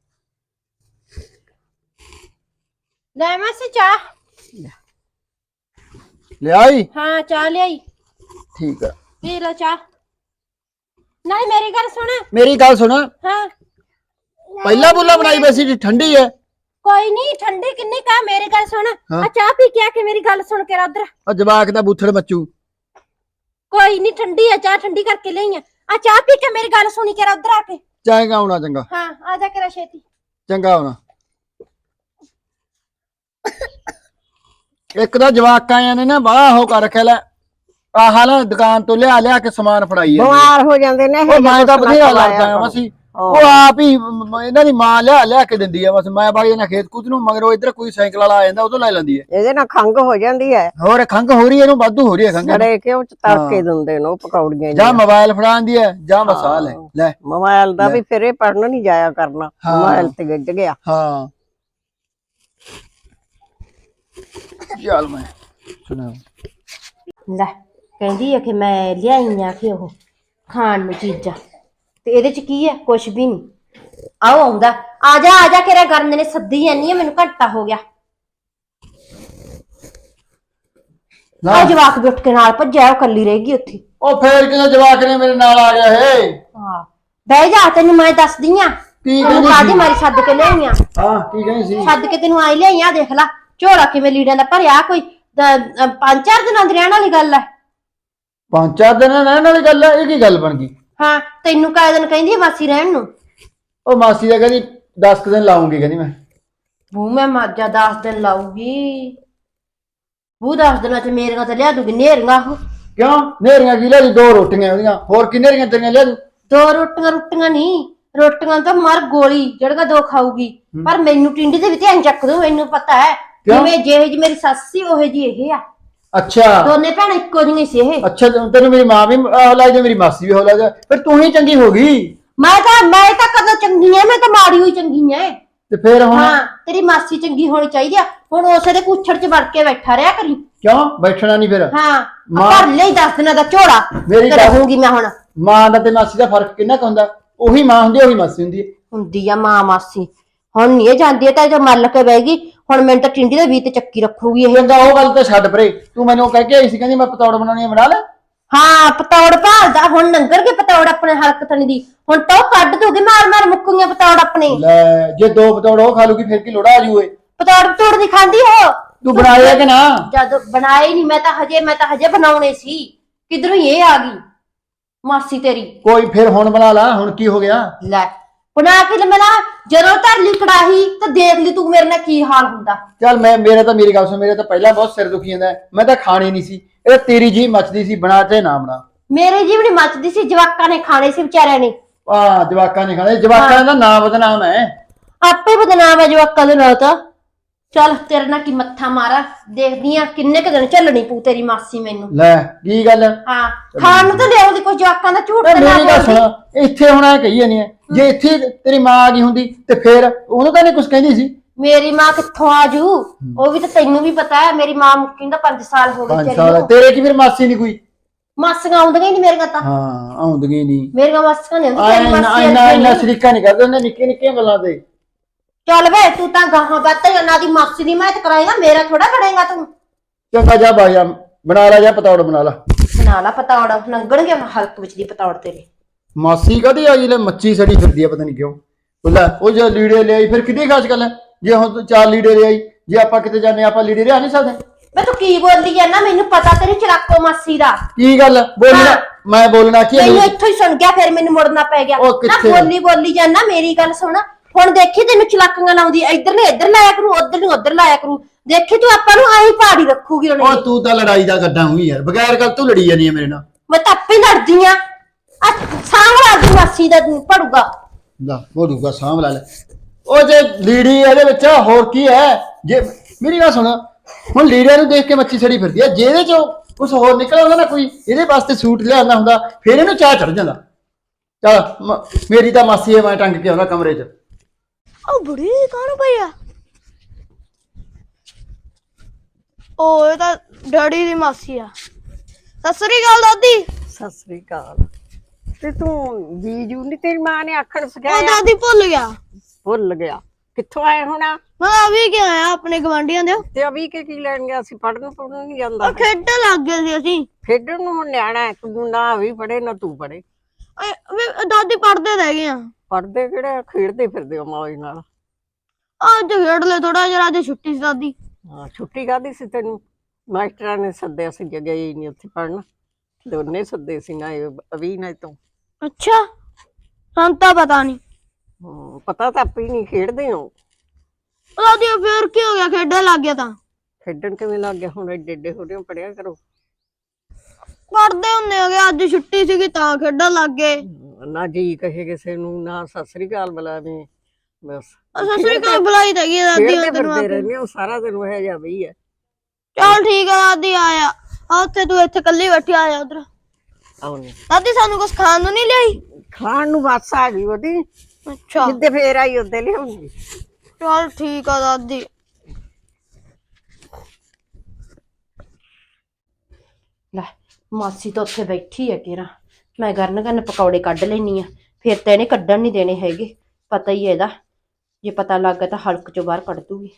S2: ਲੈ ਮਾਸੀ ਚਾਹ।
S1: ਲਿਆਈ?
S2: ਹਾਂ ਚਾਹ ਲਿਆਈ,
S1: ਠੀਕ ਆ।
S2: ਪੀ ਲੈ ਚਾਹ। ਨਹੀਂ ਮੇਰੀ ਗੱਲ ਸੁਣ।
S1: ਮੇਰੀ ਗੱਲ ਸੁਣ,
S2: ਹਾਂ
S1: ਪਹਿਲਾਂ ਬੋਲਾ ਬਣਾਈ ਵੈਸੀ ਠੰਡੀ ਹੈ।
S2: ਕੋਈ ਨਹੀਂ, ਠੰਡੀ ਕਿੰਨੀ ਕਾ, ਮੇਰੀ ਗੱਲ ਸੁਣ।
S1: ਹਾਂ।
S2: ਆ ਚਾਹ ਪੀ ਕੇ ਆ ਕੇ ਮੇਰੀ ਗੱਲ ਸੁਣ ਕੇ ਉਧਰ।
S1: ਆ ਜਵਾਕ ਦਾ ਬੂਥੜ ਮੱਚੂ।
S2: ਕੋਈ ਨਹੀਂ ਠੰਡੀ ਆ ਚਾਹ, ਠੰਡੀ ਕਰਕੇ ਲਈ ਆ ਚਾਹ ਪੀ ਕੇ ਮੇਰੀ ਗੱਲ ਸੁਣੀ ਕੇ ਉਧਰ ਆ ਕੇ।
S1: ਚੰਗਾ ਆਉਣਾ, ਚੰਗਾ
S2: ਹਾਂ ਆ ਜਾ ਕੇ ਛੇਤੀ।
S1: ਚੰਗਾ ਆਉਣਾ। ਇੱਕ ਤਾਂ ਜਵਾਕਾਂ ਆਏ ਨੇ ਨਾ ਬਾਹਲਾ ਹੋ ਕਰ ਰੱਖਿਆ, ਲੈ ਆਹ ਨਾ ਦੁਕਾਨ ਤੋਂ ਲਿਆ ਲਿਆ ਕੇ ਸਮਾਨ ਫੜਾਈ ਜਾਂਦੇ।
S3: ਬਿਮਾਰ ਹੋ ਜਾਂਦੇ ਨੇ
S1: ਉਹ ਮੈਂ ਤਾਂ ਬਥੇਰਾ ਲੜਦਾ ਆ ਮਾਸੀ, ਉਹ ਆਪ ਹੀ ਇਹਨਾਂ ਦੀ ਮਾਂ ਲਿਆ ਲਿਆ ਕੇ ਦਿੰਦੀ ਆ। ਬਸ ਮੈਂ ਬਾਈ ਇਹਨਾਂ ਖੇਤ ਕੂਤ ਨੂੰ, ਮਗਰੋਂ ਇੱਧਰ ਕੋਈ ਸਾਈਕਲ ਵਾਲਾ ਆ ਜਾਂਦਾ, ਉਹ ਤੋਂ ਲੈ ਲੈਂਦੀ ਹੈ।
S3: ਇਹਦੇ ਨਾਲ ਖੰਗ ਹੋ ਜਾਂਦੀ ਹੈ।
S1: ਹੋਰ ਖੰਘ ਹੋ ਰਹੀ ਹੈ ਇਹਨੂੰ, ਵਾਧੂ ਹੋ ਰਹੀ ਹੈ ਖੰਘ।
S3: ਸੜੇ ਕਿ ਉਹ ਚ ਤੜਕੇ ਦਿੰਦੇ ਨੇ ਉਹ ਪਕੌੜੀਆਂ
S1: ਜਾਂ ਮੋਬਾਈਲ ਫੜਾਉਂਦੀ ਹੈ ਜਾਂ ਮਸਾ ਲੈ ਲੈ
S3: ਮੋਬਾਈਲ ਦਾ ਵੀ ਫਿਰ ਇਹ ਪੜਨ ਨਹੀਂ ਜਾਇਆ ਕਰਨਾ, ਮੋਬਾਈਲ ਤੇ ਗਿੱਜ ਗਿਆ।
S1: ਹਾਂ ਚੱਲ ਮੈਂ ਸੁਣਾ।
S2: ਲੈ ਕਹਿੰਦੀ ਆ ਕਿ ਮੈਂ ਲਿਆਈਆਂ ਕਿ ਉਹ ਖਾਣ ਨੂੰ ਚੀਜ਼ਾਂ, ਤੇ ਇਹਦੇ ਚ ਕੀ ਹੈ? ਕੁਛ ਵੀ ਨਹੀਂ। ਆਓ ਆਉਂਦਾ, ਆ ਜਾ ਕੇ ਗਰਮ ਨੇ ਸੱਦੀ ਜਾਨੀ ਆ, ਮੈਨੂੰ ਘੰਟਾ ਹੋ ਗਿਆ। ਆ ਜਵਾਕ ਵੀ ਉੱਠ ਕੇ ਨਾਲ ਭੱਜਿਆ, ਉਹ ਕੱਲੀ ਰਹਿ ਗਈ ਉੱਥੇ।
S1: ਉਹ ਫੇਰ ਕਿਹਦਾ ਜਵਾਕ ਨੇ ਮੇਰੇ ਨਾਲ ਆ ਗਿਆ ਹੈ।
S2: ਹਾਂ ਬਹਿ ਜਾ, ਤੈਨੂੰ ਮੈਂ ਦੱਸਦੀ ਆ।
S1: ਕੀ
S2: ਤੈਨੂੰ
S1: ਕਹਿੰਦੀ
S2: ਕਾਹਦੀ
S1: ਸੀ?
S2: ਮਾਰੀ ਛੱਡ ਕੇ ਲਿਆਈਆਂ,
S1: ਹਾਂ ਕੀ ਕਹਿੰਦੀ ਸੀ?
S2: ਛੱਡ ਕੇ ਤੈਨੂੰ ਆਈ ਲਿਆਈਆਂ। ਦੇਖ ਲੈ ਝੋਲਾ ਕਿਵੇਂ ਲੀੜਿਆਂ ਦਾ ਭਰਿਆ, ਕੋਈ 5-4 ਦਿਨਾਂ ਦੀ ਰਹਿਣ ਵਾਲੀ ਗੱਲ ਹੈ।
S1: 5-4 ਦਿਨ ਰਹਿਣ ਵਾਲੀ ਗੱਲ ਹੈ? ਇਹ ਕੀ ਗੱਲ ਬਣ ਗਈ?
S2: ਹਾਂ ਤੈਨੂੰ ਕਾਹ ਦਿਨ ਕਹਿੰਦੀ ਆ ਮਾਸੀ ਰਹਿਣ ਨੂੰ?
S1: ਉਹ ਮਾਸੀ ਦਾ ਕਹਿੰਦੀ 10 ਦਿਨ ਲਾਉਂਗੀ, ਕਹਿੰਦੀ ਮੈਂ।
S2: ਬੂ ਮੈਂ ਮਾਜਾ 10 ਦਿਨ ਲਾਊਗੀ। ਬੂ 10 ਦਿਨਾਂ ਚ ਮੇਰੀਆਂ ਤੇ ਲਿਆ ਦੂਗੀ ਨੇਰੀਆਂ। ਉਹ
S1: ਕਿਉਂ ਨੇਰੀਆਂ ਕੀ ਲਿਆ? 2 ਰੋਟੀਆਂ ਉਹਦੀਆਂ, ਹੋਰ ਕੀ ਨੇਰੀਆਂ ਤੇਰੀਆਂ ਲਿਆ ਦੂ?
S2: 2 ਰੋਟੀਆਂ ਨਹੀਂ, ਰੋਟੀਆਂ ਤਾਂ ਮਰ ਗੋਲੀ ਜਿਹੜੀਆਂ 2 ਖਾਊਗੀ। ਪਰ ਮੈਨੂੰ ਟਿੰਡੀ ਦੇ ਵੀ ਧਿਆਨ ਚੱਕ ਦੂ, ਮੈਨੂੰ ਪਤਾ ਹੈ। ਜਿਵੇਂ ਜਿਹੇ ਜੀ ਮੇਰੀ ਸੱਸ ਸੀ ਉਹੇ ਜੀ ਇਹ ਆ।
S1: ਅੱਛਾ
S2: ਦੋਨੇ ਭੈਣਾਂ ਇੱਕੋ ਜਿਹੀਆਂ ਸੀ ਇਹ।
S1: ਅੱਛਾ ਤੈਨੂੰ ਮੇਰੀ ਮਾਂ ਵੀ ਹੌਲਾ ਜਾ, ਮੇਰੀ ਮਾਸੀ ਵੀ ਹੌਲਾ ਜਾ, ਫਿਰ ਤੂੰ ਹੀ ਚੰਗੀ ਹੋ ਗਈ।
S2: ਮੈਂ ਤਾਂ ਕਦੋਂ ਚੰਗੀ ਐ? ਮੈਂ ਤਾਂ ਮਾੜੀ ਹੋਈ ਚੰਗੀ ਐ।
S1: ਤੇ ਫਿਰ ਹੁਣ?
S2: ਹਾਂ ਤੇਰੀ ਮਾਸੀ ਚੰਗੀ ਹੋਣੀ ਚਾਹੀਦੀ ਆ। ਹੁਣ ਉਸੇ ਦੇ ਕੁੱਛੜ ਚ ਵੜ ਕੇ ਬੈਠਾ ਰਿਹਾ ਕਰੀ।
S1: ਕਿਉਂ ਬੈਠਣਾ ਨਹੀਂ ਫਿਰ?
S2: ਹਾਂ ਭਰ ਲਈ 10 ਦਿਨਾਂ ਦਾ ਝੋਲਾ
S1: ਮੇਰੀ
S2: ਤੇ ਰਹੂੰਗੀ ਮੈਂ ਹੁਣ।
S1: ਮਾਂ ਦਾ ਤੇ ਮਾਸੀ ਦਾ ਫਰਕ ਕਿੰਨਾ ਕੁ ਹੁੰਦਾ? ਉਹੀ ਮਾਂ ਹੁੰਦੀ, ਉਹੀ ਮਾਸੀ ਹੁੰਦੀ ਹੈ।
S2: ਹੁੰਦੀ ਆ ਮਾਂ ਮਾਸੀ। ਹੁਣ ਨਹੀਂ ਇਹ ਜਾਂਦੀ, ਤਾਂ ਜੋ ਮੱਲ ਕੇ ਬਹਿ ਗਈ। ਹੁਣ ਮੈਨੂੰ ਤਾਂ ਟਿੰਡੀ ਦੇ ਵੀ ਤੇ ਚੱਕੀ ਰੱਖੂਗੀ ਇਹ।
S1: ਚੰਗਾ ਉਹ ਗੱਲ ਤਾਂ ਛੱਡ ਪਰੇ, ਤੂੰ ਮੈਨੂੰ ਕਹਿ ਕੇ ਆਈ ਸੀ ਕਹਿੰਦੀ ਮੈਂ ਪਤੌੜ ਬਣਾਉਣੀ ਆ, ਬਣਾ ਲੈ।
S2: ਹਾਂ ਪਤੌੜ ਭਾਲਦਾ ਹੁਣ, ਲੰਗਰ ਕੇ ਪਤੌੜ ਆਪਣੇ ਹਲਕ ਥਣੀ ਦੀ। ਹੁਣ ਤਾਂ ਉਹ ਕੱਢ ਦੂਗੀ ਮਾਰ ਮਾਰ ਮੁੱਕੂਗੀਆਂ ਪਤੌੜ ਆਪਣੇ।
S1: ਲੈ ਜੇ 2 ਪਤੌੜ ਉਹ ਖਾ ਲੂਗੀ ਫਿਰ ਕੀ ਲੋੜਾ ਆ ਜੂਏ?
S2: ਪਤੌੜ ਨਹੀਂ ਖਾਂਦੀ ਉਹ।
S1: ਤੂੰ ਬਣਾਇਆ ਕਿ ਨਾ?
S2: ਜਦ ਬਣਾਏ ਨਹੀਂ, ਮੈਂ ਤਾਂ ਹਜੇ ਬਣਾਉਣੇ ਸੀ। ਕਿਧਰੋਂ ਇਹ ਆ ਗਈ ਮਾਸੀ ਤੇਰੀ।
S1: ਕੋਈ ਫਿਰ ਹੁਣ ਬਣਾ ਲਾ, ਹੁਣ ਕੀ ਹੋ ਗਿਆ?
S2: ਲੈ ਬਣਾ ਕੇ ਲਮਣਾ, ਜਦੋਂ ਧਰ ਲਈ ਕੜਾਹੀ ਤਾਂ ਦੇਖ ਲਈ ਤੂੰ ਮੇਰੇ ਨਾਲ ਕੀ ਹਾਲ ਹੁੰਦਾ।
S1: ਚੱਲ ਮੇਰੀ ਗੱਲ ਸੁਣ, ਮੇਰੇ ਤਾਂ ਪਹਿਲਾਂ ਬਹੁਤ ਸਿਰ ਦੁਖੀ ਜਾਂਦਾ, ਮੈਂ ਤਾਂ ਖਾਣੀ ਨਹੀਂ ਸੀ। ਇਹ ਤੇਰੀ ਜੀ ਮੱਚਦੀ ਸੀ, ਬਣਾ ਤੇ ਨਾ ਬਣਾ।
S2: ਮੇਰੇ ਜੀਵਨੀ ਮੱਚਦੀ ਸੀ, ਜਵਾਕਾਂ ਨੇ ਖਾਣੇ ਸੀ ਵਿਚਾਰਿਆਂ ਨੇ।
S1: ਆ ਜਵਾਕਾਂ ਨੇ ਖਾਣੇ, ਜਵਾਕਾਂ ਦਾ ਨਾਂ ਬਦਨਾਮ ਹੈ।
S2: ਆਪੇ ਬਦਨਾਮ ਹੈ ਜਵਾਕਾਂ ਦੇ ਨਾਲ ਤਾਂ। ਚੱਲ ਤੇਰੇ ਨਾਲ ਕੀ ਮੱਥਾ ਮਾਰਾ, ਦੇਖਦੀ ਆ ਕਿੰਨੇ ਕੁ ਦਿਨ ਝੱਲਣੀ ਪਊ ਤੇਰੀ ਮਾਸੀ ਮੈਨੂੰ।
S1: ਲੈ ਕੀ ਗੱਲ?
S2: ਹਾਂ ਖਾਣ ਨੂੰ ਤਾਂ ਲਿਆਉਂਦੀ, ਕੋਈ ਜਵਾਕਾਂ ਦਾ ਝੂਠ ਤੇ ਨਾ
S1: ਮੇਰੀ ਗੱਲ
S2: ਬੋਲਦੀ।
S1: ਸੁਣ, ਇੱਥੇ ਹੁਣ ਐ ਕਹੀ ਜਾਨੀ ਹੈ, ਜੇ ਇੱਥੇ ਤੇਰੀ ਮਾਂ ਆ ਗਈ ਹੁੰਦੀ ਤੇ ਫੇਰ ਉਹਨੂੰ ਤਾਂ ਨਹੀਂ ਕੁਝ ਕਹਿੰਦੀ ਸੀ।
S2: ਮੇਰੀ ਮਾਂ ਕਿੱਥੋਂ ਆਜੂ? ਉਹ ਵੀ ਤਾਂ ਤੈਨੂੰ ਵੀ ਪਤਾ ਹੈ, ਮੇਰੀ ਮਾਂ ਮੁੱਕੀ ਨੂੰ ਤਾਂ 5 ਸਾਲ ਹੋ ਗਏ
S1: 5
S2: ਤੇਰੀ
S1: ਸਾਲ
S2: ਨੂੰ।
S1: ਤੇਰੇ ਕੀ ਫਿਰ ਮਾਸੀ ਨਹੀਂ ਕੋਈ?
S2: ਮਾਸੀਆਂ ਆਉਂਦੀਆਂ ਹੀ ਨਹੀਂ ਮੇਰੀਆਂ ਤਾਂ।
S1: ਹਾਂ ਆਉਂਦੀਆਂ ਨਹੀਂ।
S2: ਮੇਰੀਆਂ ਮਾਸੀਆਂ ਨੇ ਆਉਂਦੀ, ਤੇਰੀ ਮਾਸੀ
S1: ਇੰਨਾ
S2: ਆਉਂਦੀ
S1: ਇੰਨਾ
S2: ਨੀ।
S1: ਸ਼ਰੀਕਾ ਨਹੀਂ ਕਰਦੇ ਉਹਨੇ ਨਿੱਕੇ ਨਿੱਕੀਆਂ ਗੱਲਾਂ ਤੇ।
S2: ਚੱਲ ਵੇ ਤੂੰ ਤਾਂ ਗਾਹਾਂ ਬਾਤਾਂ ਉਹਨਾਂ ਦੀ ਮਾਸੀ ਦੀ ਮੈਂ ਤੇ ਕਰਾਏਗਾ, ਮੇਰਾ ਥੋੜਾ ਕਰੇਗਾ ਤੂੰ।
S1: ਚੰਗਾ ਜਾ ਬਾਜਾ ਬਣਾ ਲਾ, ਜਾ ਪਤੌੜ ਬਣਾ ਲਾ।
S2: ਬਣਾ ਲਾ ਪਤੌੜ, ਲੰਗਣਗੇ ਹਲਕ ਵਿੱਚ ਦੀ ਪਤੌੜ ਤੇਰੇ।
S1: ਮਾਸੀ ਕਦੀ ਆਈ ਲੈ ਮੱਛੀ ਸੜੀ ਫਿਰਦੀ ਆ, ਪਤਾ ਨਹੀਂ ਕਿਉਂ। ਉਹ ਜੇ ਲੀੜੇ ਲਿਆਈ ਫਿਰ ਕਿਹਦੀ ਖਾਸ ਗੱਲ ਹੈ? ਜੇ ਹੁਣ ਤੂੰ 4 ਲੀੜੇ ਲਿਆਈ, ਜੇ ਆਪਾਂ ਕਿਤੇ ਜਾਂਦੇ ਆਪਾਂ ਲੀੜੇ ਲਿਆ ਨਹੀਂ ਸਕਦੇ?
S2: ਮੈਂ ਤੂੰ ਕੀ ਬੋਲੀ ਜਾਂਦਾ, ਮੈਨੂੰ ਪਤਾ ਤੇਰੀ ਚਲਾਕੋ ਮਾਸੀ ਦਾ।
S1: ਕੀ ਗੱਲ ਬੋਲਣਾ? ਮੈਂ ਬੋਲਣਾ ਕੀ
S2: ਮੈਨੂੰ
S1: ਹੈ?
S2: ਇੱਥੋਂ ਹੀ ਸੁਣ ਗਿਆ, ਫਿਰ ਮੈਨੂੰ ਮੁੜਨਾ ਪੈ ਗਿਆ
S1: ਉਹ
S2: ਨਾ।
S1: ਕਿੱਥੇ?
S2: ਬੋਲੀ ਜਾਂਦਾ, ਮੇਰੀ ਗੱਲ ਸੁਣ। ਹੁਣ ਦੇਖੀ ਤੈਨੂੰ ਚਲਾਕੀਆਂ ਲਾਉਂਦੀ, ਇੱਧਰ ਨੇ ਇੱਧਰ ਲਾਇਆ ਕਰੂ, ਉੱਧਰ ਨੂੰ ਉੱਧਰ ਲਾਇਆ ਕਰੂ। ਦੇਖੀ ਤੂੰ ਆਪਾਂ ਨੂੰ ਆਹੀ ਪਹਾੜੀ ਰੱਖੂਗੀ ਉਹਨੇ।
S1: ਉਹ ਤੂੰ ਤਾਂ ਲੜਾਈ ਦਾ ਗੱਡਾ ਹੋਈ ਯਾਰ, ਬਗੈਰ ਗੱਲ ਤੂੰ ਲੜੀ ਜਾਨੀ ਹੈ ਮੇਰੇ ਨਾਲ।
S2: ਮੈਂ ਤਾਂ ਆਪੇ ਲੜਦੀ ਆ। ਸਾਹਮਣਾ ਦੀ ਮਾਸੀ ਦਾ ਪੜੂਗਾ।
S1: ਲਾ ਹੋੜੂਗਾ ਸਾਂਭ ਲੈ। ਉਹ ਜੇ ਲੀੜੀ ਇਹਦੇ ਵਿੱਚ ਹੋਰ ਕੀ ਹੈ? ਜੇ ਮੇਰੀ ਗੱਲ ਸੁਣ, ਹੁਣ ਲੀੜਿਆਂ ਨੂੰ ਦੇਖ ਕੇ ਮੱਛੀ ਸੜੀ ਫਿਰਦੀ ਹੈ, ਜਿਹਦੇ ਚੋਂ ਕੁਝ ਹੋਰ ਨਿਕਲ ਆਉਂਦਾ ਨਾ, ਕੋਈ ਇਹਦੇ ਵਾਸਤੇ ਸੂਟ ਲਿਆਉਂਦਾ ਹੁੰਦਾ, ਫਿਰ ਇਹਨੂੰ ਚਾਹ ਚੜ ਜਾਂਦਾ। ਚੱਲ ਮੇਰੀ ਤਾਂ ਮਾਸੀ ਹੈ, ਮੈਂ ਟੰਗ ਕੇ ਆਉਣਾ ਕਮਰੇ 'ਚ।
S4: ਉਹ ਬੁੜੀ ਕੌਣ ਭਈਆ? ਉਹ ਇਹ ਤਾਂ ਡੈਡੀ ਦੀ ਮਾਸੀ ਆ। ਸਤਿ ਸ੍ਰੀ ਅਕਾਲ ਦਾਦੀ।
S3: ਸਤਿ ਸ੍ਰੀ ਅਕਾਲ। ਤੇ ਤੂੰ ਜੀਜੂ ਨੀ ਤੇਰੀ ਮਾਂ ਨੇ ਆਖਣ
S4: ਉਹ
S3: ਸਿਖਾਇਆ?
S4: ਦਾਦੀ ਭੁੱਲ ਗਿਆ।
S3: ਭੁੱਲ ਗਿਆ? ਕਿੱਥੋਂ ਆਏ ਹੋਣਾ?
S4: ਮੈਂ ਅਭੀ ਕਿ ਆਇਆ ਆਪਣੇ ਗਵਾਂਢੀਆਂ ਦੇ।
S3: ਤੇ ਅਭੀ ਕੇ ਕੀ ਲੈਣ ਗਿਆ ਸੀ? ਪੜਨ ਨਹੀਂ ਜਾਂਦਾ?
S4: ਉਹ ਖੇਡਣ ਲੱਗ ਗਏ ਸੀ ਅਸੀਂ।
S3: ਖੇਡਣ ਨੂੰ ਹੁਣ ਨਿਆਣਾ ਹੈ, ਤੂੰ ਨਾ ਵੀ ਪੜੇ ਨਾ ਤੂੰ ਪੜੇ।
S4: ਦਾਦੀ ਪੜਦੇ ਰਹਿ ਗਏ ਆ।
S3: ਪੜਦੇ ਕਿਹੜੇ, ਖੇਡਦੇ ਫਿਰਦੇ ਹੋ ਮੌਜ ਨਾਲ।
S4: ਅੱਜ ਖੇਡ ਲੈ ਥੋੜਾ ਜਿਹਾ, ਅੱਜ ਛੁੱਟੀ ਸੀ ਦਾਦੀ।
S3: ਹਾਂ ਛੁੱਟੀ ਕਾਹਦੀ ਸੀ ਤੈਨੂੰ? ਮਾਸਟਰਾਂ ਨੇ ਸੱਦਿਆ ਸੀ, ਜਗ੍ਹਾ ਹੀ ਨਹੀਂ ਉੱਥੇ ਪੜਨ। ਦੋਨੇ ਸੱਦੇ ਸੀ, ਨਾ ਅਭੀ ਨਾ ਤੂੰ।
S4: ਅੱਛਾ ਸਾਨੂੰ ਤਾਂ ਪਤਾ ਨਹੀਂ।
S3: ਪਤਾ ਤਾਂ ਆਪੇ ਨਹੀਂ, ਖੇਡਦੇ ਹੋ।
S4: ਦਾਦੀ ਫੇਰ ਕੀ ਹੋ ਗਿਆ, ਖੇਡਣ ਲੱਗ ਗਿਆ ਤਾਂ।
S3: ਖੇਡਣ ਕਿਵੇਂ ਲੱਗ ਗਿਆ? ਹੁਣ ਏਡੇ ਏਡੇ ਹੋ ਰਹੇ ਹੋ, ਪੜਿਆ ਕਰੋ।
S4: ਪੜਦੇ ਹੁੰਦੇ ਹੋਗੇ, ਅੱਜ ਛੁੱਟੀ ਸੀਗੀ ਤਾਂ ਖੇਡਣ ਲੱਗ ਗਏ।
S3: ਨਾ ਜੀ ਕਹੇ ਕਿਸੇ ਨੂੰ, ਨਾ ਸਤਿ ਸ੍ਰੀ ਅਕਾਲ ਬੁਲਾਵੇਂ, ਬਸ
S4: ਸਤਿ ਸ੍ਰੀ ਅਕਾਲ ਬੁਲਾਈ ਤਾਂ ਗਈ ਦਾਦੀ
S3: ਖੇਡਦੇ
S4: ਤੈਨੂੰ
S3: ਫਿਰਦੇ
S4: ਆਪੇ।
S3: ਰਹਿੰਦੇ ਹੋ ਸਾਰਾ ਦਿਨ, ਉਹ ਜਾ ਬਈ ਹੈ।
S4: ਚੱਲ ਠੀਕ ਆ ਦਾਦੀ, ਆਇਆ ਆ ਉੱਥੇ, ਤੂੰ ਇੱਥੇ ਕੱਲੀ ਬੈਠੀ, ਆਇਆ ਉਧਰ।
S3: ਆਉਣੀ
S4: ਦਾਦੀ ਸਾਨੂੰ ਕੁਝ ਖਾਣ ਨੂੰ ਨਹੀਂ ਲਿਆਈ?
S3: ਖਾਣ ਨੂੰ ਬਸ ਆ ਗਈ ਉਹਦੀ,
S4: ਅੱਛਾ
S3: ਜਿੱਦੇ ਫੇਰ ਆਈ ਉਹਦੇ ਲਿਆਉਂਗੀ।
S4: ਚੱਲ ਠੀਕ ਆ ਦਾਦੀ।
S2: ਲੈ ਮਾਸੀ ਤਾਂ ਉੱਥੇ ਬੈਠੀ ਹੈ ਕਿਰਾ, ਮੈਂ ਗਰਨ ਪਕੌੜੇ ਕੱਢ ਲੈਣੀ ਆ। ਫਿਰ ਤਾਂ ਇਹਨੇ ਕੱਢਣ ਨਹੀਂ ਦੇਣੇ ਹੈਗੇ, ਪਤਾ ਹੀ ਹੈ ਇਹਦਾ। ਜੇ ਪਤਾ ਲੱਗ ਗਿਆ ਤਾਂ ਹਲਕ ਚੋਂ ਬਾਹਰ ਕੱਢ ਦੂਗੀ।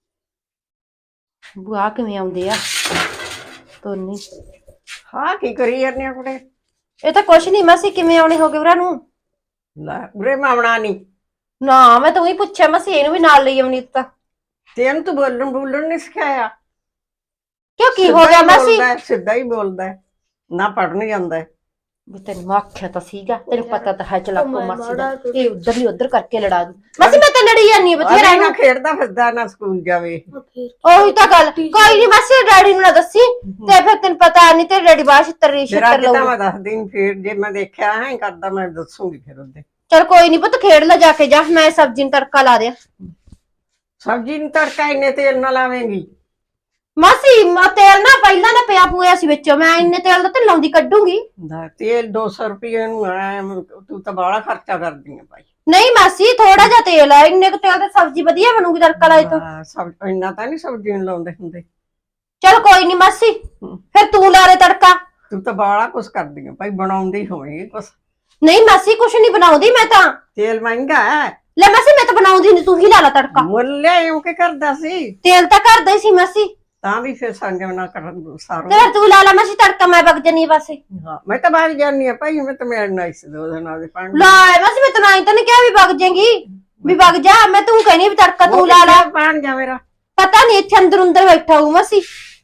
S2: ਬੁਆ ਕਿਵੇਂ ਆਉਂਦੇ ਆ ਤੋਨੀ?
S3: ਹਾਂ ਕੀ ਕਰੀ ਜਾਂਦੇ ਆ ਕੁੜੇ?
S2: ਇਹ ਤਾਂ ਕੁਛ ਨਹੀਂ ਮਾਸੀ, ਕਿਵੇਂ ਆਉਣੇ ਹੋਗੇ ਵੀਰਾਂ ਨੂੰ?
S3: ਲੈ ਉਰੇ ਮਾਮਣਾ ਨਹੀਂ।
S2: ਨਾ ਮੈਂ ਤਾਂ ਉਹੀ ਪੁੱਛਿਆ ਮਾਸੀ, ਇਹਨੂੰ ਵੀ ਨਾਲ ਲਈ ਆਉਣੀ ਤਾਂ।
S3: ਤੇ ਇਹਨੂੰ ਤੂੰ ਬੋਲਣ ਨਹੀਂ ਸਿਖਾਇਆ?
S2: ਕਿਉਂ ਕੀ ਹੋ ਗਿਆ ਮਾਸੀ?
S3: ਸਿੱਧਾ ਹੀ ਬੋਲਦਾ, ਨਾ ਪੜਨ ਜਾਂਦਾ।
S2: ਵੀ ਤੈਨੂੰ ਆਖਿਆ ਤਾਂ ਸੀਗਾ, ਤੈਨੂੰ ਪਤਾ ਤਾਂ ਹੈ ਚਲਾਕੋ ਮਾਸੀ ਦਾ, ਇਹ ਉਧਰ ਹੀ ਉਧਰ ਕਰਕੇ ਲੜਾ ਦੂ। ਮਾਸੀ ਮੈਂ ਤਾਂ ਲੜੀ ਜਾਂਦੀ ਆ ਬਥੇਰਾ
S3: ਨਾ ਖੇਡਦਾ ਫਿਰਦਾ, ਨਾ ਸਕੂਲ ਜਾਵੇ।
S2: ਉਹੀ ਤਾਂ ਗੱਲ। ਕੋਈ ਨਹੀਂ ਮਾਸੀ, ਡੈਡੀ ਨੂੰ ਨਾ ਦੱਸੀ, ਤੇ ਫਿਰ ਤੈਨੂੰ ਪਤਾ ਨਹੀਂ ਤੇ ਡੈਡੀ ਬਾਹਰ ਛਿੱਤਰ
S3: ਫਿਰ
S2: ਲਊ।
S3: ਮੈਂ ਦੱਸਦੀ ਨੀ, ਫਿਰ ਜੇ ਮੈਂ ਦੇਖਿਆ ਹੈ ਕਰਦਾ ਮੈਂ ਦੱਸੂਗੀ ਫਿਰ ਉਹਦੇ।
S2: ਚਲ ਕੋਈ ਨਹੀਂ ਪੁੱਤ, ਖੇਡ ਲੈ ਜਾ ਕੇ, ਜਾ ਮੈਂ ਸਬਜ਼ੀ ਨੂੰ ਤੜਕਾ ਲਾ ਦਿਆਂ।
S3: ਸਬਜ਼ੀ ਨੂੰ ਤੜਕਾ ਇੰਨੇ ਤੇਲ ਨਾਲ ਲਾਵੇਂਗੀ?
S2: ਮਾਸੀ ਤੇਲ ਨਾ ਪਹਿਲਾਂ ਨਾ ਪਿਆ ਪੂਆ ਸੀ ਵਿੱਚੋਂ, ਮੈਂ ਇੰਨੇ ਤੇਲ ਦਾ ਤੇ ਲਾਉਂਦੀ ਕੱਢੂਗੀ।
S3: ਤੇਲ 200 ਰੁਪਏ ਨੂੰ ਆ, ਤੂੰ ਤਾਂ ਬਾਹਲਾ ਖਰਚਾ ਕਰਦੀ ਆ ਭਾਈ।
S2: ਨਹੀਂ ਮਾਸੀ ਥੋੜਾ ਜਿਹਾ ਤੇਲ ਆ, ਇੰਨੇ ਕੁ ਤੇਲ ਤੇ ਸਬਜ਼ੀ ਵਧੀਆ ਬਣੂਗੀ ਤੜਕਾ ਲਾਏ ਤੋਂ।
S3: ਇੰਨਾ ਤਾਂ ਨਹੀਂ ਸਬਜ਼ੀ ਨੂੰ ਲਾਉਂਦੇ ਹੁੰਦੇ।
S2: ਚਲ ਕੋਈ ਨਹੀਂ ਮਾਸੀ, ਫਿਰ ਤੂੰ ਲਾ ਦੇ ਤੜਕਾ।
S3: ਤੂੰ ਤਾਂ ਬਾਹਲਾ ਕੁਛ ਕਰਦੀ ਆ ਭਾਈ, ਬਣਾਉਂਦੀ ਹੋਵੇਂਗੀ ਕੁਛ।
S2: ਨਹੀਂ ਮਾਸੀ ਕੁਛ ਨਹੀਂ ਬਣਾਉਂਦੀ ਮੈਂ ਤਾਂ।
S3: ਤੇਲ ਮਹਿੰਗਾ ਹੈ।
S2: ਲੈ ਮਾਸੀ ਮੈਂ ਤਾਂ ਬਣਾਉਂਦੀ ਨਹੀਂ, ਤੂੰ ਹੀ ਲਾ ਲਾ ਤੜਕਾ।
S3: ਮੁੱਲ ਲਿਆਇਓ ਕਿ ਕਰਦਾ ਸੀ?
S2: ਤੇਲ ਤਾਂ ਘਰ ਦਾ ਹੀ ਸੀ ਮਾਸੀ।
S3: ਤਾਂ ਵੀ ਫਿਰ ਸੰਗਮ ਨਾ ਕਰਨ ਸਾਰੋ।
S2: ਤੇ ਫਿਰ ਤੂੰ ਲਾ ਲਾ ਮਾਸੀ ਤੜਕਾ, ਮੈਂ ਵਗ ਜੰਨੀ ਪਾਸੇ।
S3: ਹਾਂ ਮੈਂ ਤਾਂ ਬਾਹਰ ਜਾਨੀ ਆ ਭਾਈ, ਮੈਂ ਤਾਂ ਮਿਲਣਾ ਇਸ ਦੋ ਦਿਨ ਆਦੇ ਪਾਣ।
S2: ਲੈ ਮਾਸੀ ਮੈਂ ਤੈਨੂੰ ਆਈ ਤਾਂ ਨਹੀਂ ਕਿਹਾ ਵੀ ਵਗ ਜਾਏਗੀ, ਵੀ ਵਗ ਜਾ। ਮੈਂ ਤੂੰ ਕਹਿਨੀ ਵੀ ਤੜਕਾ ਤੂੰ ਲਾ ਲਾ।
S3: ਪਾਣ ਜਾ ਮੇਰਾ
S2: ਪਤਾ ਨਹੀਂ ਇੱਥੇ ਅੰਦਰ ਬੈਠਾ ਹੋਊ ਮਾਸੀ,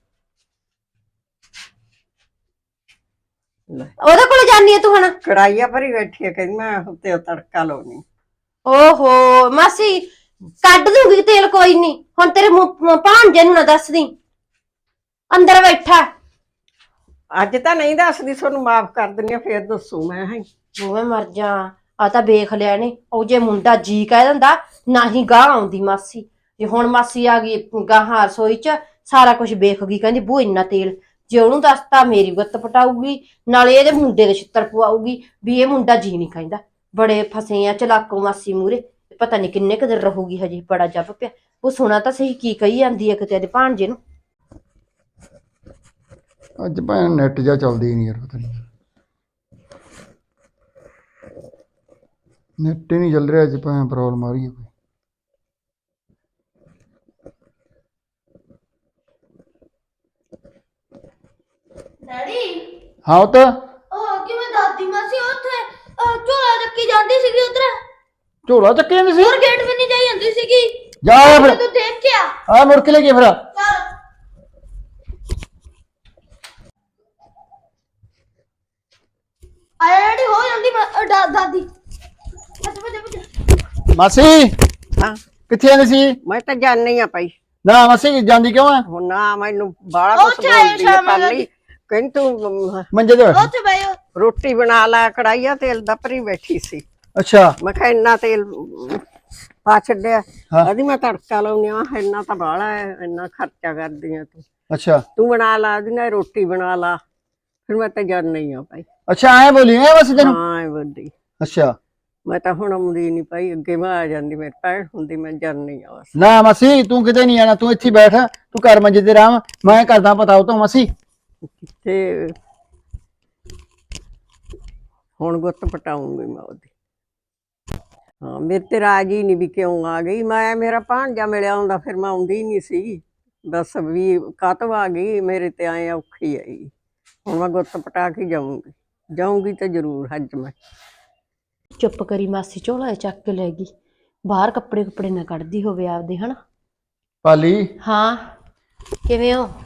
S2: ਉਹਦੇ ਕੋਲ ਜਾਨੀ ਆ ਤੂੰ ਹੁਣ?
S3: ਕੜਾਈਆ ਭਰੀ ਬੈਠੀ ਆ, ਕਹਿੰਦੀ ਮੈਂ ਉੱਤੇ ਤੜਕਾ ਲਾਉਣੀ।
S2: ਓਹੋ ਮਾਸੀ ਕੱਢ ਦੂੰਗੀ ਤੇਲ, ਕੋਈ ਨਹੀਂ। ਹੁਣ ਤੇਰੇ ਭਾਂਜੇ ਨੂੰ ਨਾ ਦੱਸਦੀ, ਅੰਦਰ ਬੈਠਾ।
S3: ਅੱਜ ਤਾਂ ਨਹੀਂ ਦੱਸਦੀ, ਤੁਹਾਨੂੰ ਮਾਫ ਕਰ ਦਿੰਦੀ ਆ, ਫੇਰ ਦੱਸੂ ਮੈਂ। ਹੈ
S2: ਦੋਵੇਂ ਮਰ ਜਾ। ਆ ਤਾਂ ਵੇਖ ਲਿਆ ਨੇ, ਉਹ ਜੇ ਮੁੰਡਾ ਜੀ ਕਹਿ ਦਿੰਦਾ ਨਾ ਹੀ ਗਾਹ ਆਉਂਦੀ ਮਾਸੀ। ਜੇ ਹੁਣ ਮਾਸੀ ਆ ਗਈ ਗਾਹਾਂ ਰਸੋਈ ਚ, ਸਾਰਾ ਕੁਝ ਵੇਖ ਗਈ, ਕਹਿੰਦੀ ਬੂ ਇੰਨਾ ਤੇਲ। ਜੇ ਉਹਨੂੰ ਦੱਸਤਾ ਮੇਰੀ ਗੁੱਤ ਪਟਾਊਗੀ, ਨਾਲੇ ਇਹਦੇ ਮੁੰਡੇ ਦੇ ਛਿੱਤਰ ਪਵਾਊਗੀ ਵੀ ਇਹ ਮੁੰਡਾ ਜੀ ਨਹੀਂ ਕਹਿੰਦਾ। ਬੜੇ ਫਸੇ ਆ ਚਲਾਕੋ ਮਾਸੀ ਮੂਰੇ, ਪਤਾ ਨਹੀਂ ਕਿੰਨੇ ਕੁ ਦਿਨ ਰਹੂਗੀ ਹਜੇ। ਬੜਾ ਜੱਬ ਪਿਆ। ਉਹ ਸੁਣਾ ਤਾਂ ਸਹੀ ਕੀ ਕਹੀ ਜਾਂਦੀ ਹੈ ਕਿਤੇ ਇਹਦੇ ਭਾਣਜੇ ਨੂੰ।
S1: ਅੱਜ ਭੈਣ ਨੈਟ ਜਾ ਚੱਲਦੀ ਹੀ ਨਹੀਂ ਯਾਰ, ਪਤਾ ਨਹੀਂ ਨੈਟ ਹੀ ਨਹੀਂ ਚੱਲ ਰਿਹਾ ਅੱਜ, ਭੈਣ ਪ੍ਰੋਬਲਮ ਆ ਰਹੀ ਹੈ ਕੋਈ।
S4: ਡੈਡੀ
S1: ਹਾਂ ਉਹ ਤਾਂ
S4: ਉਹ ਕਿਵੇਂ ਦਾਦੀ ਮਾਸੀ ਉੱਥੇ ਝੋਲਾ ਚੱਕੀ ਜਾਂਦੀ ਸੀਗੀ ਉਧਰ,
S1: ਝੋਲਾ ਚੱਕੇ ਜਾਂਦੇ ਸੀ।
S4: ਹੋਰ ਗੇਟ ਵੀ ਨਹੀਂ ਜਾਈ ਜਾਂਦੀ ਸੀਗੀ।
S1: ਜਾ ਆ ਫਿਰ,
S4: ਤੂੰ ਦੇਖ ਕੇ ਆ।
S1: ਆ ਮੁੜ ਕੇ ਲੈ ਕੇ ਫਿਰ।
S4: ਚੱਲ ਆਇਆ ਡੈਡੀ, ਹੋ ਜਾਂਦੀ ਦਾਦੀ। ਬਸ ਬਸ
S1: ਮਾਸੀ
S3: ਹਾਂ,
S1: ਕਿੱਥੇ ਜਾਂਦੀ ਸੀ?
S3: ਮੈਂ ਤਾਂ ਜਾਣੀ ਆ ਭਾਈ।
S1: ਨਾ ਮਾਸੀ ਜਾਂਦੀ ਕਿਉਂ ਆ?
S3: ਹੁਣ ਨਾ ਮੈਨੂੰ ਬਾਹਲਾ ਕੁਛ
S4: ਉੱਥੇ ਆਏ
S3: ਬੋਲਦੀ ਆ
S4: ਸ਼ਾਮ ਨੂੰ
S3: ਪਾਲੀ। ਕਹਿੰਦੀ ਤੂੰ
S1: ਮੰਜੇ ਤੇ ਬੈਠ।
S4: ਉੱਥੇ ਬੈਠੋ।
S3: ਰੋਟੀ ਬਣਾ ਲਾ, ਕੜਾਈਆ ਤੇਲ ਦਾ ਭਰੀ ਬੈਠੀ ਸੀ।
S1: ਅੱਛਾ
S3: ਮੈਂ ਕਿਹਾ ਇੰਨਾ ਤੇਲ ਪਾ ਛੱਡਿਆ।
S1: ਹਾਂ।
S3: ਆਦੀ ਮੈਂ ਤੜਕਾ ਲਾਉਣੀ ਆ, ਇੰਨਾ ਤਾਂ ਬਾਹਲਾ ਹੈ, ਇੰਨਾ ਖਰਚਾ ਕਰਦੀ ਆ ਤੂੰ।
S1: ਅੱਛਾ
S3: ਤੂੰ ਬਣਾ ਲਾ, ਉਹਦੀ ਨਾਲ ਰੋਟੀ ਬਣਾ ਲਾ। ਫਿਰ ਮੈਂ ਤਾਂ ਜਾਣੀ ਆ ਭਾਈ।
S1: ਅੱਛਾ ਐ ਬੋਲੀ ਐ ਬਸ ਤੈਨੂੰ?
S3: ਹਾਂ ਐ ਵੱਡੀ।
S1: ਅੱਛਾ
S3: ਮੈਂ ਤਾਂ ਹੁਣ ਆਉਂਦੀ ਨਹੀਂ ਭਾਈ, ਅੱਗੇ ਮੈਂ ਆ ਜਾਂਦੀ, ਮੇਰੀ ਭੈਣ ਹੁੰਦੀ, ਮੈਂ ਜਾਣੀ ਆ ਬਸ।
S1: ਨਾ ਮਾਸੀ ਤੂੰ ਕਿਤੇ ਨਹੀਂ ਆਣਾ, ਤੂੰ ਇੱਥੇ ਬੈਠ, ਤੂੰ ਘਰ ਮੰਜੇ ਤੇ ਰਾਮ, ਮੈਂ ਕਰਦਾ ਪਤਾ ਉਹ ਤੋਂ ਮਾਸੀ।
S3: ਤੇ ਹੁਣ ਗੁੱਤ ਪਟਾਉਂਗੀ ਮੈਂ ਉਹਦੀ। ਹਾਂ ਮੇਰੇ ਤੇ ਰਾਜੀ ਨਹੀਂ ਵੀ ਕਿਉਂ ਆ ਗਈ। ਮੈਂ ਮੇਰਾ ਭਾਣਜਾ ਮਿਲਿਆ ਹੁੰਦਾ, ਫਿਰ ਮੈਂ ਆਉਂਦੀ ਨਹੀਂ ਸੀ। ਬਸ ਵੀ ਕਾਤੋਂ ਆ ਗਈ, ਮੇਰੇ ਤੇ ਆਏ ਔਖੀ ਆਈ। ਹੁਣ ਮੈਂ ਗੁੱਤ ਪਟਾ ਕੇ ਜਾਊਂਗੀ ਤਾਂ ਜ਼ਰੂਰ ਅੱਜ ਮੈਂ।
S2: ਚੁੱਪ ਕਰੀ ਮਾਸੀ, ਝੋਲਾ ਚੱਕ ਕੇ ਲੈ ਗਈ ਬਾਹਰ। ਕੱਪੜੇ ਨਾ ਕੱਢਦੀ ਹੋਵੇ ਆਪਦੇ, ਹਨਾ।
S1: ਪਾਲੀ
S2: ਹਾਂ ਕਿਵੇਂ ਹੋ?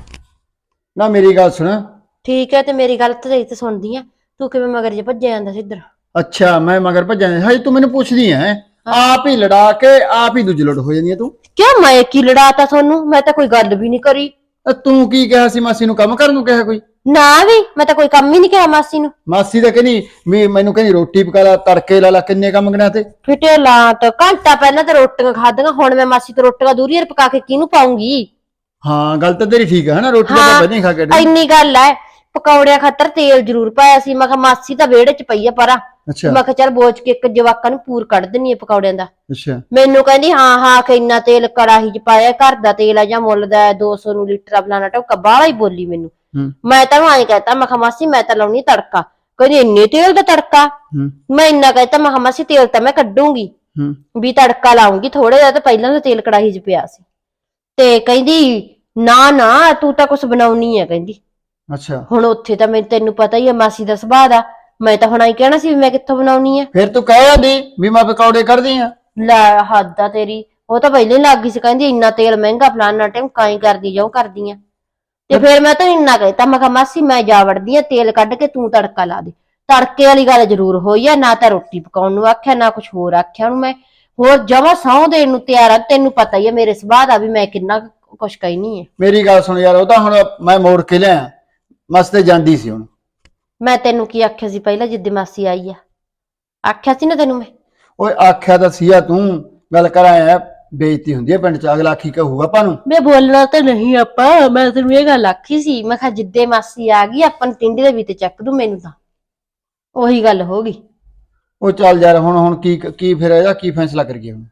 S1: ਨਾ ਮੇਰੀ ਗੱਲ ਸੁਣ।
S2: ਠੀਕ ਹੈ, ਤੇ ਮੇਰੀ ਗੱਲ ਤੇ ਸੁਣਦੀ ਆ। ਤੂੰ ਕਿਵੇਂ ਮਗਰ ਜੇ ਭੱਜਿਆ ਜਾਂਦਾ ਸੀ ਇੱਧਰ?
S1: ਅੱਛਾ ਮੈਂ ਮਗਰ ਭੱਜਾਂ? ਹਜੇ ਤੂੰ ਮੈਨੂੰ ਪੁੱਛਦੀ ਐ? ਆਪ ਹੀ ਲੜਾ ਕੇ ਆਪ ਹੀ ਦੁਜਲੜ ਹੋ ਜਾਂਦੀ ਐ ਤੂੰ।
S2: ਕਿਉਂ ਮੈਂ ਕੀ ਲੜਾਤਾ ਤੁਹਾਨੂੰ? ਮੈਂ ਤਾਂ ਕੋਈ ਗੱਲ ਵੀ ਨਹੀਂ ਕਰੀ।
S1: ਤੂੰ ਕੀ ਕਿਹਾ ਸੀ ਮਾਸੀ ਨੂੰ? ਕੰਮ ਕਰਨ ਨੂੰ ਕਿਹਾ ਕੋਈ?
S2: ਨਾ ਵੀ ਮੈਂ ਤਾਂ ਕੋਈ ਕੰਮ ਹੀ ਨਹੀਂ ਕਿਹਾ ਮਾਸੀ ਨੂੰ।
S1: ਮਾਸੀ ਤਾਂ ਕਹਿੰਦੀ ਮੈਨੂੰ ਕਹਿੰਦੀ ਰੋਟੀ ਪਕਾ ਲਾ, ਤੜਕੇ ਲਾ ਲਾ, ਕਿੰਨੇ ਕੰਮ ਗਣਾ ਤੇ।
S2: ਫਿਟੇ ਲਾਟ ਘੰਟਾ ਪਹਿਲਾਂ ਤਾਂ ਰੋਟੀਆਂ ਖਾਧੀਆਂ, ਹੁਣ ਮੈਂ ਮਾਸੀ ਤੋਂ ਰੋਟੀਆਂ ਦੂਰੀ ਪਕਾ ਕੇ ਕਿਹਨੂੰ ਪਾਉਂਗੀ?
S1: ਹਾਂ ਗੱਲ ਤਾਂ ਤੇਰੀ ਠੀਕ ਹੈ ਨਾ, ਰੋਟੀ ਤਾਂ
S2: ਹਾਂ,
S1: ਵਧੀਆ ਖਾ ਕੇ
S2: ਇੰਨੀ ਗੱਲ ਐ। ਪਕੌੜਿਆਂ ਖਾਤਰ ਤੇਲ ਜ਼ਰੂਰ ਪਾਇਆ ਸੀ। ਮੈਂ ਕਿਹਾ ਮਾਸੀ ਤਾਂ ਵਿਹੜੇ 'ਚ ਪਈ ਆ ਪਰਾਂ।
S1: ਅੱਛਾ
S2: ਮੈਂ ਕਿਹਾ ਚੱਲ ਬੋਚ ਕੇ ਇੱਕ ਜਵਾਕਾਂ ਨੂੰ ਪੂਰ ਕੱਢ ਦਿੰਨੀ ਆ ਪਕੌੜਿਆਂ ਦਾ।
S1: ਅੱਛਾ
S2: ਮੈਨੂੰ ਕਹਿੰਦੀ ਹਾਂ ਕਿ ਇੰਨਾ ਤੇਲ ਕੜਾਹੀ 'ਚ ਪਾਇਆ, ਘਰ ਦਾ ਤੇਲ ਆ ਜਾਂ ਮੁੱਲ ਦਾ 200 ਨੂੰ ਲੀਟਰ ਆ, ਫਲਾਣਾ ਟੋਕਾ। ਬਾਹਲਾ ਹੀ ਬੋਲੀ ਮੈਨੂੰ। ਮੈਂ ਤਾਂ ਐਂ ਕਹਿਤਾ, ਮੈਂ ਕਿਹਾ ਮਾਸੀ ਮੈਂ ਤਾਂ ਲਾਉਣੀ ਤੜਕਾ। ਕਹਿੰਦੀ ਇੰਨੇ ਤੇਲ ਦਾ ਤੜਕਾ? ਮੈਂ ਇੰਨਾ ਕਹਿਤਾ, ਮੈਂ ਕਿਹਾ ਮਾਸੀ ਤੇਲ ਤਾਂ ਮੈਂ ਕੱਢੂੰਗੀ ਵੀ ਤੜਕਾ ਲਾਉਂਗੀ ਥੋੜਾ ਜਿਹਾ, ਤਾਂ ਪਹਿਲਾਂ ਦਾ ਤੇਲ ਕੜਾਹੀ 'ਚ ਪਿਆ ਸੀ। ਤੇ ਕਹਿੰਦੀ ਨਾ ਨਾ ਤੂੰ ਤਾਂ ਕੁਛ ਬਣਾਉਣੀ ਆ ਕਹਿੰਦੀ।
S1: ਅੱਛਾ
S2: ਹੁਣ ਉੱਥੇ ਤਾਂ ਤੈਨੂੰ ਪਤਾ ਹੀ ਆ ਮਾਸੀ ਦਾ ਸੁਭਾਅ ਦਾ। ਮੈਂ ਤਾਂ ਹੁਣ ਆਈ ਕਹਿਣਾ ਸੀ ਵੀ ਮੈਂ ਕਿੱਥੋਂ ਬਣਾਉਣੀ ਆ।
S1: ਫਿਰ ਤੂੰ ਕਹਿ ਜਾਂਦੀ ਵੀ ਮੈਂ ਪਕੌੜੇ ਕਰਦੀ ਆ।
S2: ਲੈ ਹੱਦ ਆ ਤੇਰੀ। ਉਹ ਤਾਂ ਪਹਿਲੇ ਲੱਗ ਗਈ ਸੀ, ਕਹਿੰਦੀ ਇੰਨਾ ਤੇਲ ਮਹਿੰਗਾ, ਫਲਾਨਾ ਟਾਈਮ ਕਾਈ ਕਰਦੀ ਜਾਉ ਕਰਦੀ ਆ। ਤੇ ਫਿਰ ਮੈਂ ਤਾਂ ਇੰਨਾ ਕਹਿਤਾ, ਮੈਂ ਕਿਹਾ ਮਾਸੀ ਮੈਂ ਜਾ ਵੜਦੀ ਆ, ਤੇਲ ਕੱਢ ਕੇ ਤੂੰ ਤੜਕਾ ਲਾ ਦੇ। ਤੜਕੇ ਵਾਲੀ ਗੱਲ ਜ਼ਰੂਰ ਹੋਈ ਆ, ਨਾ ਤਾਂ ਰੋਟੀ ਪਕਾਉਣ ਨੂੰ ਆਖਿਆ, ਨਾ ਕੁਛ ਹੋਰ ਆਖਿਆ ਉਹਨੂੰ ਮੈਂ। ਹੋਰ ਜਮਾਂ ਸਹੁੰ ਦੇਣ ਨੂੰ ਤਿਆਰ ਆ। ਤੈਨੂੰ ਪਤਾ ਹੀ ਆ ਮੇਰੇ ਸੁਭਾਅ ਦਾ ਵੀ ਮੈਂ ਕਿੰਨਾ ਕੁਛ ਕਹਿਨੀ ਆ।
S1: ਮੇਰੀ ਗੱਲ ਸੁਣ ਯਾਰ, ਉਹ ਤਾਂ ਹੁਣ ਮੈਂ ਮੋੜ ਕੇ ਲਿਆ, ਮਸ ਤੇ ਜਾਂਦੀ ਸੀ ਹੁਣ।
S2: ਮੈਂ ਤੈਨੂੰ ਕੀ ਆਖਿਆ ਸੀ ਪਹਿਲਾਂ ਜਿੱਦੇ ਮਾਸੀ ਆਈ ਆ? ਆਖਿਆ ਸੀ ਨਾ ਤੈਨੂੰ ਮੈਂ।
S1: ਓਏ ਆਖਿਆ ਤਾਂ ਸੀਆ, ਤੂੰ ਗੱਲ ਕਰ ਆਇਆ ਬੇਇੱਜ਼ਤੀ ਹੁੰਦੀ ਹੈ ਪਿੰਡ ਚ, ਅਗਲਾ ਕੀ ਕਹੂਗਾ ਆਪਾਂ ਨੂੰ?
S2: ਮੈਂ ਬੋਲਣਾ ਤਾਂ ਨਹੀਂ ਆਪਾਂ, ਮੈਂ ਤੈਨੂੰ ਇਹ ਗੱਲ ਆਖੀ ਸੀ। ਮੈਂ ਕਿਹਾ ਜਿੱਦੇ ਮਾਸੀ ਆ ਗਈ ਆਪਾਂ ਨੂੰ ਟਿੰਡੇ ਦੇ ਵਿੱਚ ਚੱਕ ਦੂ ਮੈਨੂੰ ਤਾਂ। ਉਹੀ ਗੱਲ ਹੋ ਗਈ।
S1: ਉਹ ਚੱਲ ਯਾਰ ਹੁਣ ਕੀ ਫਿਰ ਇਹਦਾ ਕੀ ਫੈਸਲਾ ਕਰੀਏ ਹੁਣ?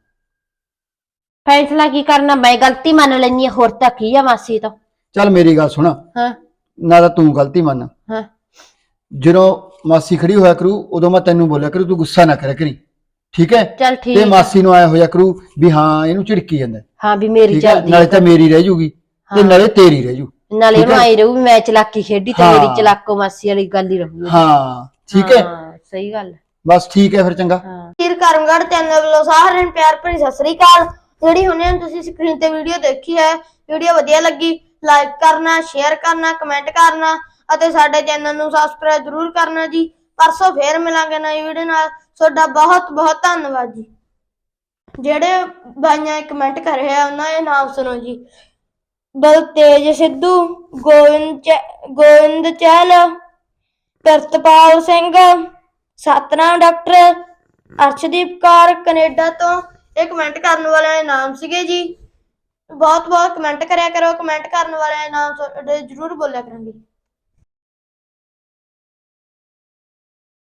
S2: ਫੈਸਲਾ ਕੀ ਕਰਨਾ, ਮੈਂ ਗਲਤੀ ਮੰਨ ਲੈਣੀ ਆ, ਹੋਰ ਤਾਂ ਕੀ ਆ ਮਾਸੀ ਤੋਂ।
S1: ਚੱਲ ਮੇਰੀ ਗੱਲ ਸੁਣ,
S2: ਹਾਂ
S1: ਨਾ ਤਾਂ ਤੂੰ ਗਲਤੀ ਮੰਨ।
S2: ਹਾਂ
S1: ਜਦੋਂ ਮਾਸੀ ਖੜੀ ਹੋਇਆ ਕਰੂ ਉਦੋਂ ਮੈਂ ਤੈਨੂੰ ਬੋਲਿਆ ਕਰੂ, ਤੂੰ ਗੁੱਸਾ ਨਾ ਕਰਿਆ ਕਰੀ, ਠੀਕ ਹੈ?
S2: ਚੱਲ ਠੀਕ
S1: ਤੇ
S2: ਆ।
S1: ਮਾਸੀ ਨੂੰ ਆਇਆ ਹੋਇਆ ਕਰੂ ਵੀ ਹਾਂ ਇਹਨੂੰ ਝਿੜਕੀ ਜਾਂਦਾ,
S2: ਹਾਂ ਵੀ ਮੇਰੀ
S1: ਠੀਕ ਹੈ?
S2: ਚੱਲਦੀ
S1: ਨਾਲੇ ਤਾਂ ਮੇਰੀ ਰਹਿ ਜੂਗੀ ਤੇ ਨਾਲੇ ਤੇਰੀ ਰਹਿ ਜੂ।
S2: ਨਾਲੇ
S1: ਠੀਕ
S2: ਉਹਨੂੰ
S1: ਹੈ?
S2: ਆਈ ਰਹੂ ਵੀ ਮੈਂ ਚਲਾਕੀ ਖੇਡੀ ਤੇ
S1: ਹਾਂ।
S2: ਮੇਰੀ ਚਲਾਕੋ ਮਾਸੀ ਵਾਲੀ ਗੱਲ ਹੀ ਰਹੂ।
S1: ਹਾਂ ਠੀਕ ਹੈ,
S2: ਹਾਂ ਸਹੀ ਗੱਲ।
S1: ਬਸ ਠੀਕ ਹੈ ਫਿਰ, ਚੰਗਾ।
S2: ਹਾਂ
S4: ਵੀਰ ਕਰਮਗੜ੍ਹ ਚੈਨਲ ਵੱਲੋਂ ਸਾਰਿਆਂ ਨੂੰ ਪਿਆਰ ਭਰੀ ਸਤਿ ਸ੍ਰੀ ਅਕਾਲ। ਜਿਹੜੀ ਹੁਣੇ ਤੁਸੀਂ ਸਕਰੀਨ ਤੇ ਵੀਡੀਓ ਦੇਖੀ ਹੈ, ਵੀਡੀਓ ਵਧੀਆ ਲੱਗੀ ਲਾਈਕ ਕਰਨਾ, ਸ਼ੇਅਰ ਕਰਨਾ, ਕਮੈਂਟ ਕਰਨਾ ਅਤੇ ਸਾਡੇ ਚੈਨਲ ਨੂੰ ਸਬਸਕ੍ਰਾਈਬ ਜ਼ਰੂਰ ਕਰਨਾ ਜੀ। ਪਰਸੋਂ ਫੇਰ ਮਿਲਾਂਗੇ ਨਵੀਂ ਵੀਡੀਓ ਨਾਲ। ਤੁਹਾਡਾ ਬਹੁਤ ਬਹੁਤ ਧੰਨਵਾਦ ਜੀ। ਜਿਹੜੇ ਬਾਈਆਂ ਕਮੈਂਟ ਕਰ ਰਹੇ ਆ ਉਹਨਾਂ ਦੇ ਨਾਮ ਸੁਣੋ ਜੀ। ਬਲਤੇਜ ਸਿੱਧੂ, ਗੋਬਿੰਦ ਚਹਿਲ, ਪ੍ਰਿਤਪਾਲ ਸਿੰਘ, ਸਤਨਾਮ ਡਾਕਟਰ, ਅਰਸ਼ਦੀਪ ਕੌਰ ਕੈਨੇਡਾ ਤੋਂ। ਇਹ ਕਮੈਂਟ ਕਰਨ ਵਾਲਿਆਂ ਦੇ ਨਾਮ ਸੀਗੇ ਜੀ। ਬਹੁਤ ਬਹੁਤ ਕਮੈਂਟ ਕਰਿਆ ਕਰੋ। ਕਮੈਂਟ ਕਰਨ ਵਾਲਿਆਂ ਦੇ ਨਾਮ ਜ਼ਰੂਰ ਬੋਲਿਆ ਕਰਾਂਗੇ।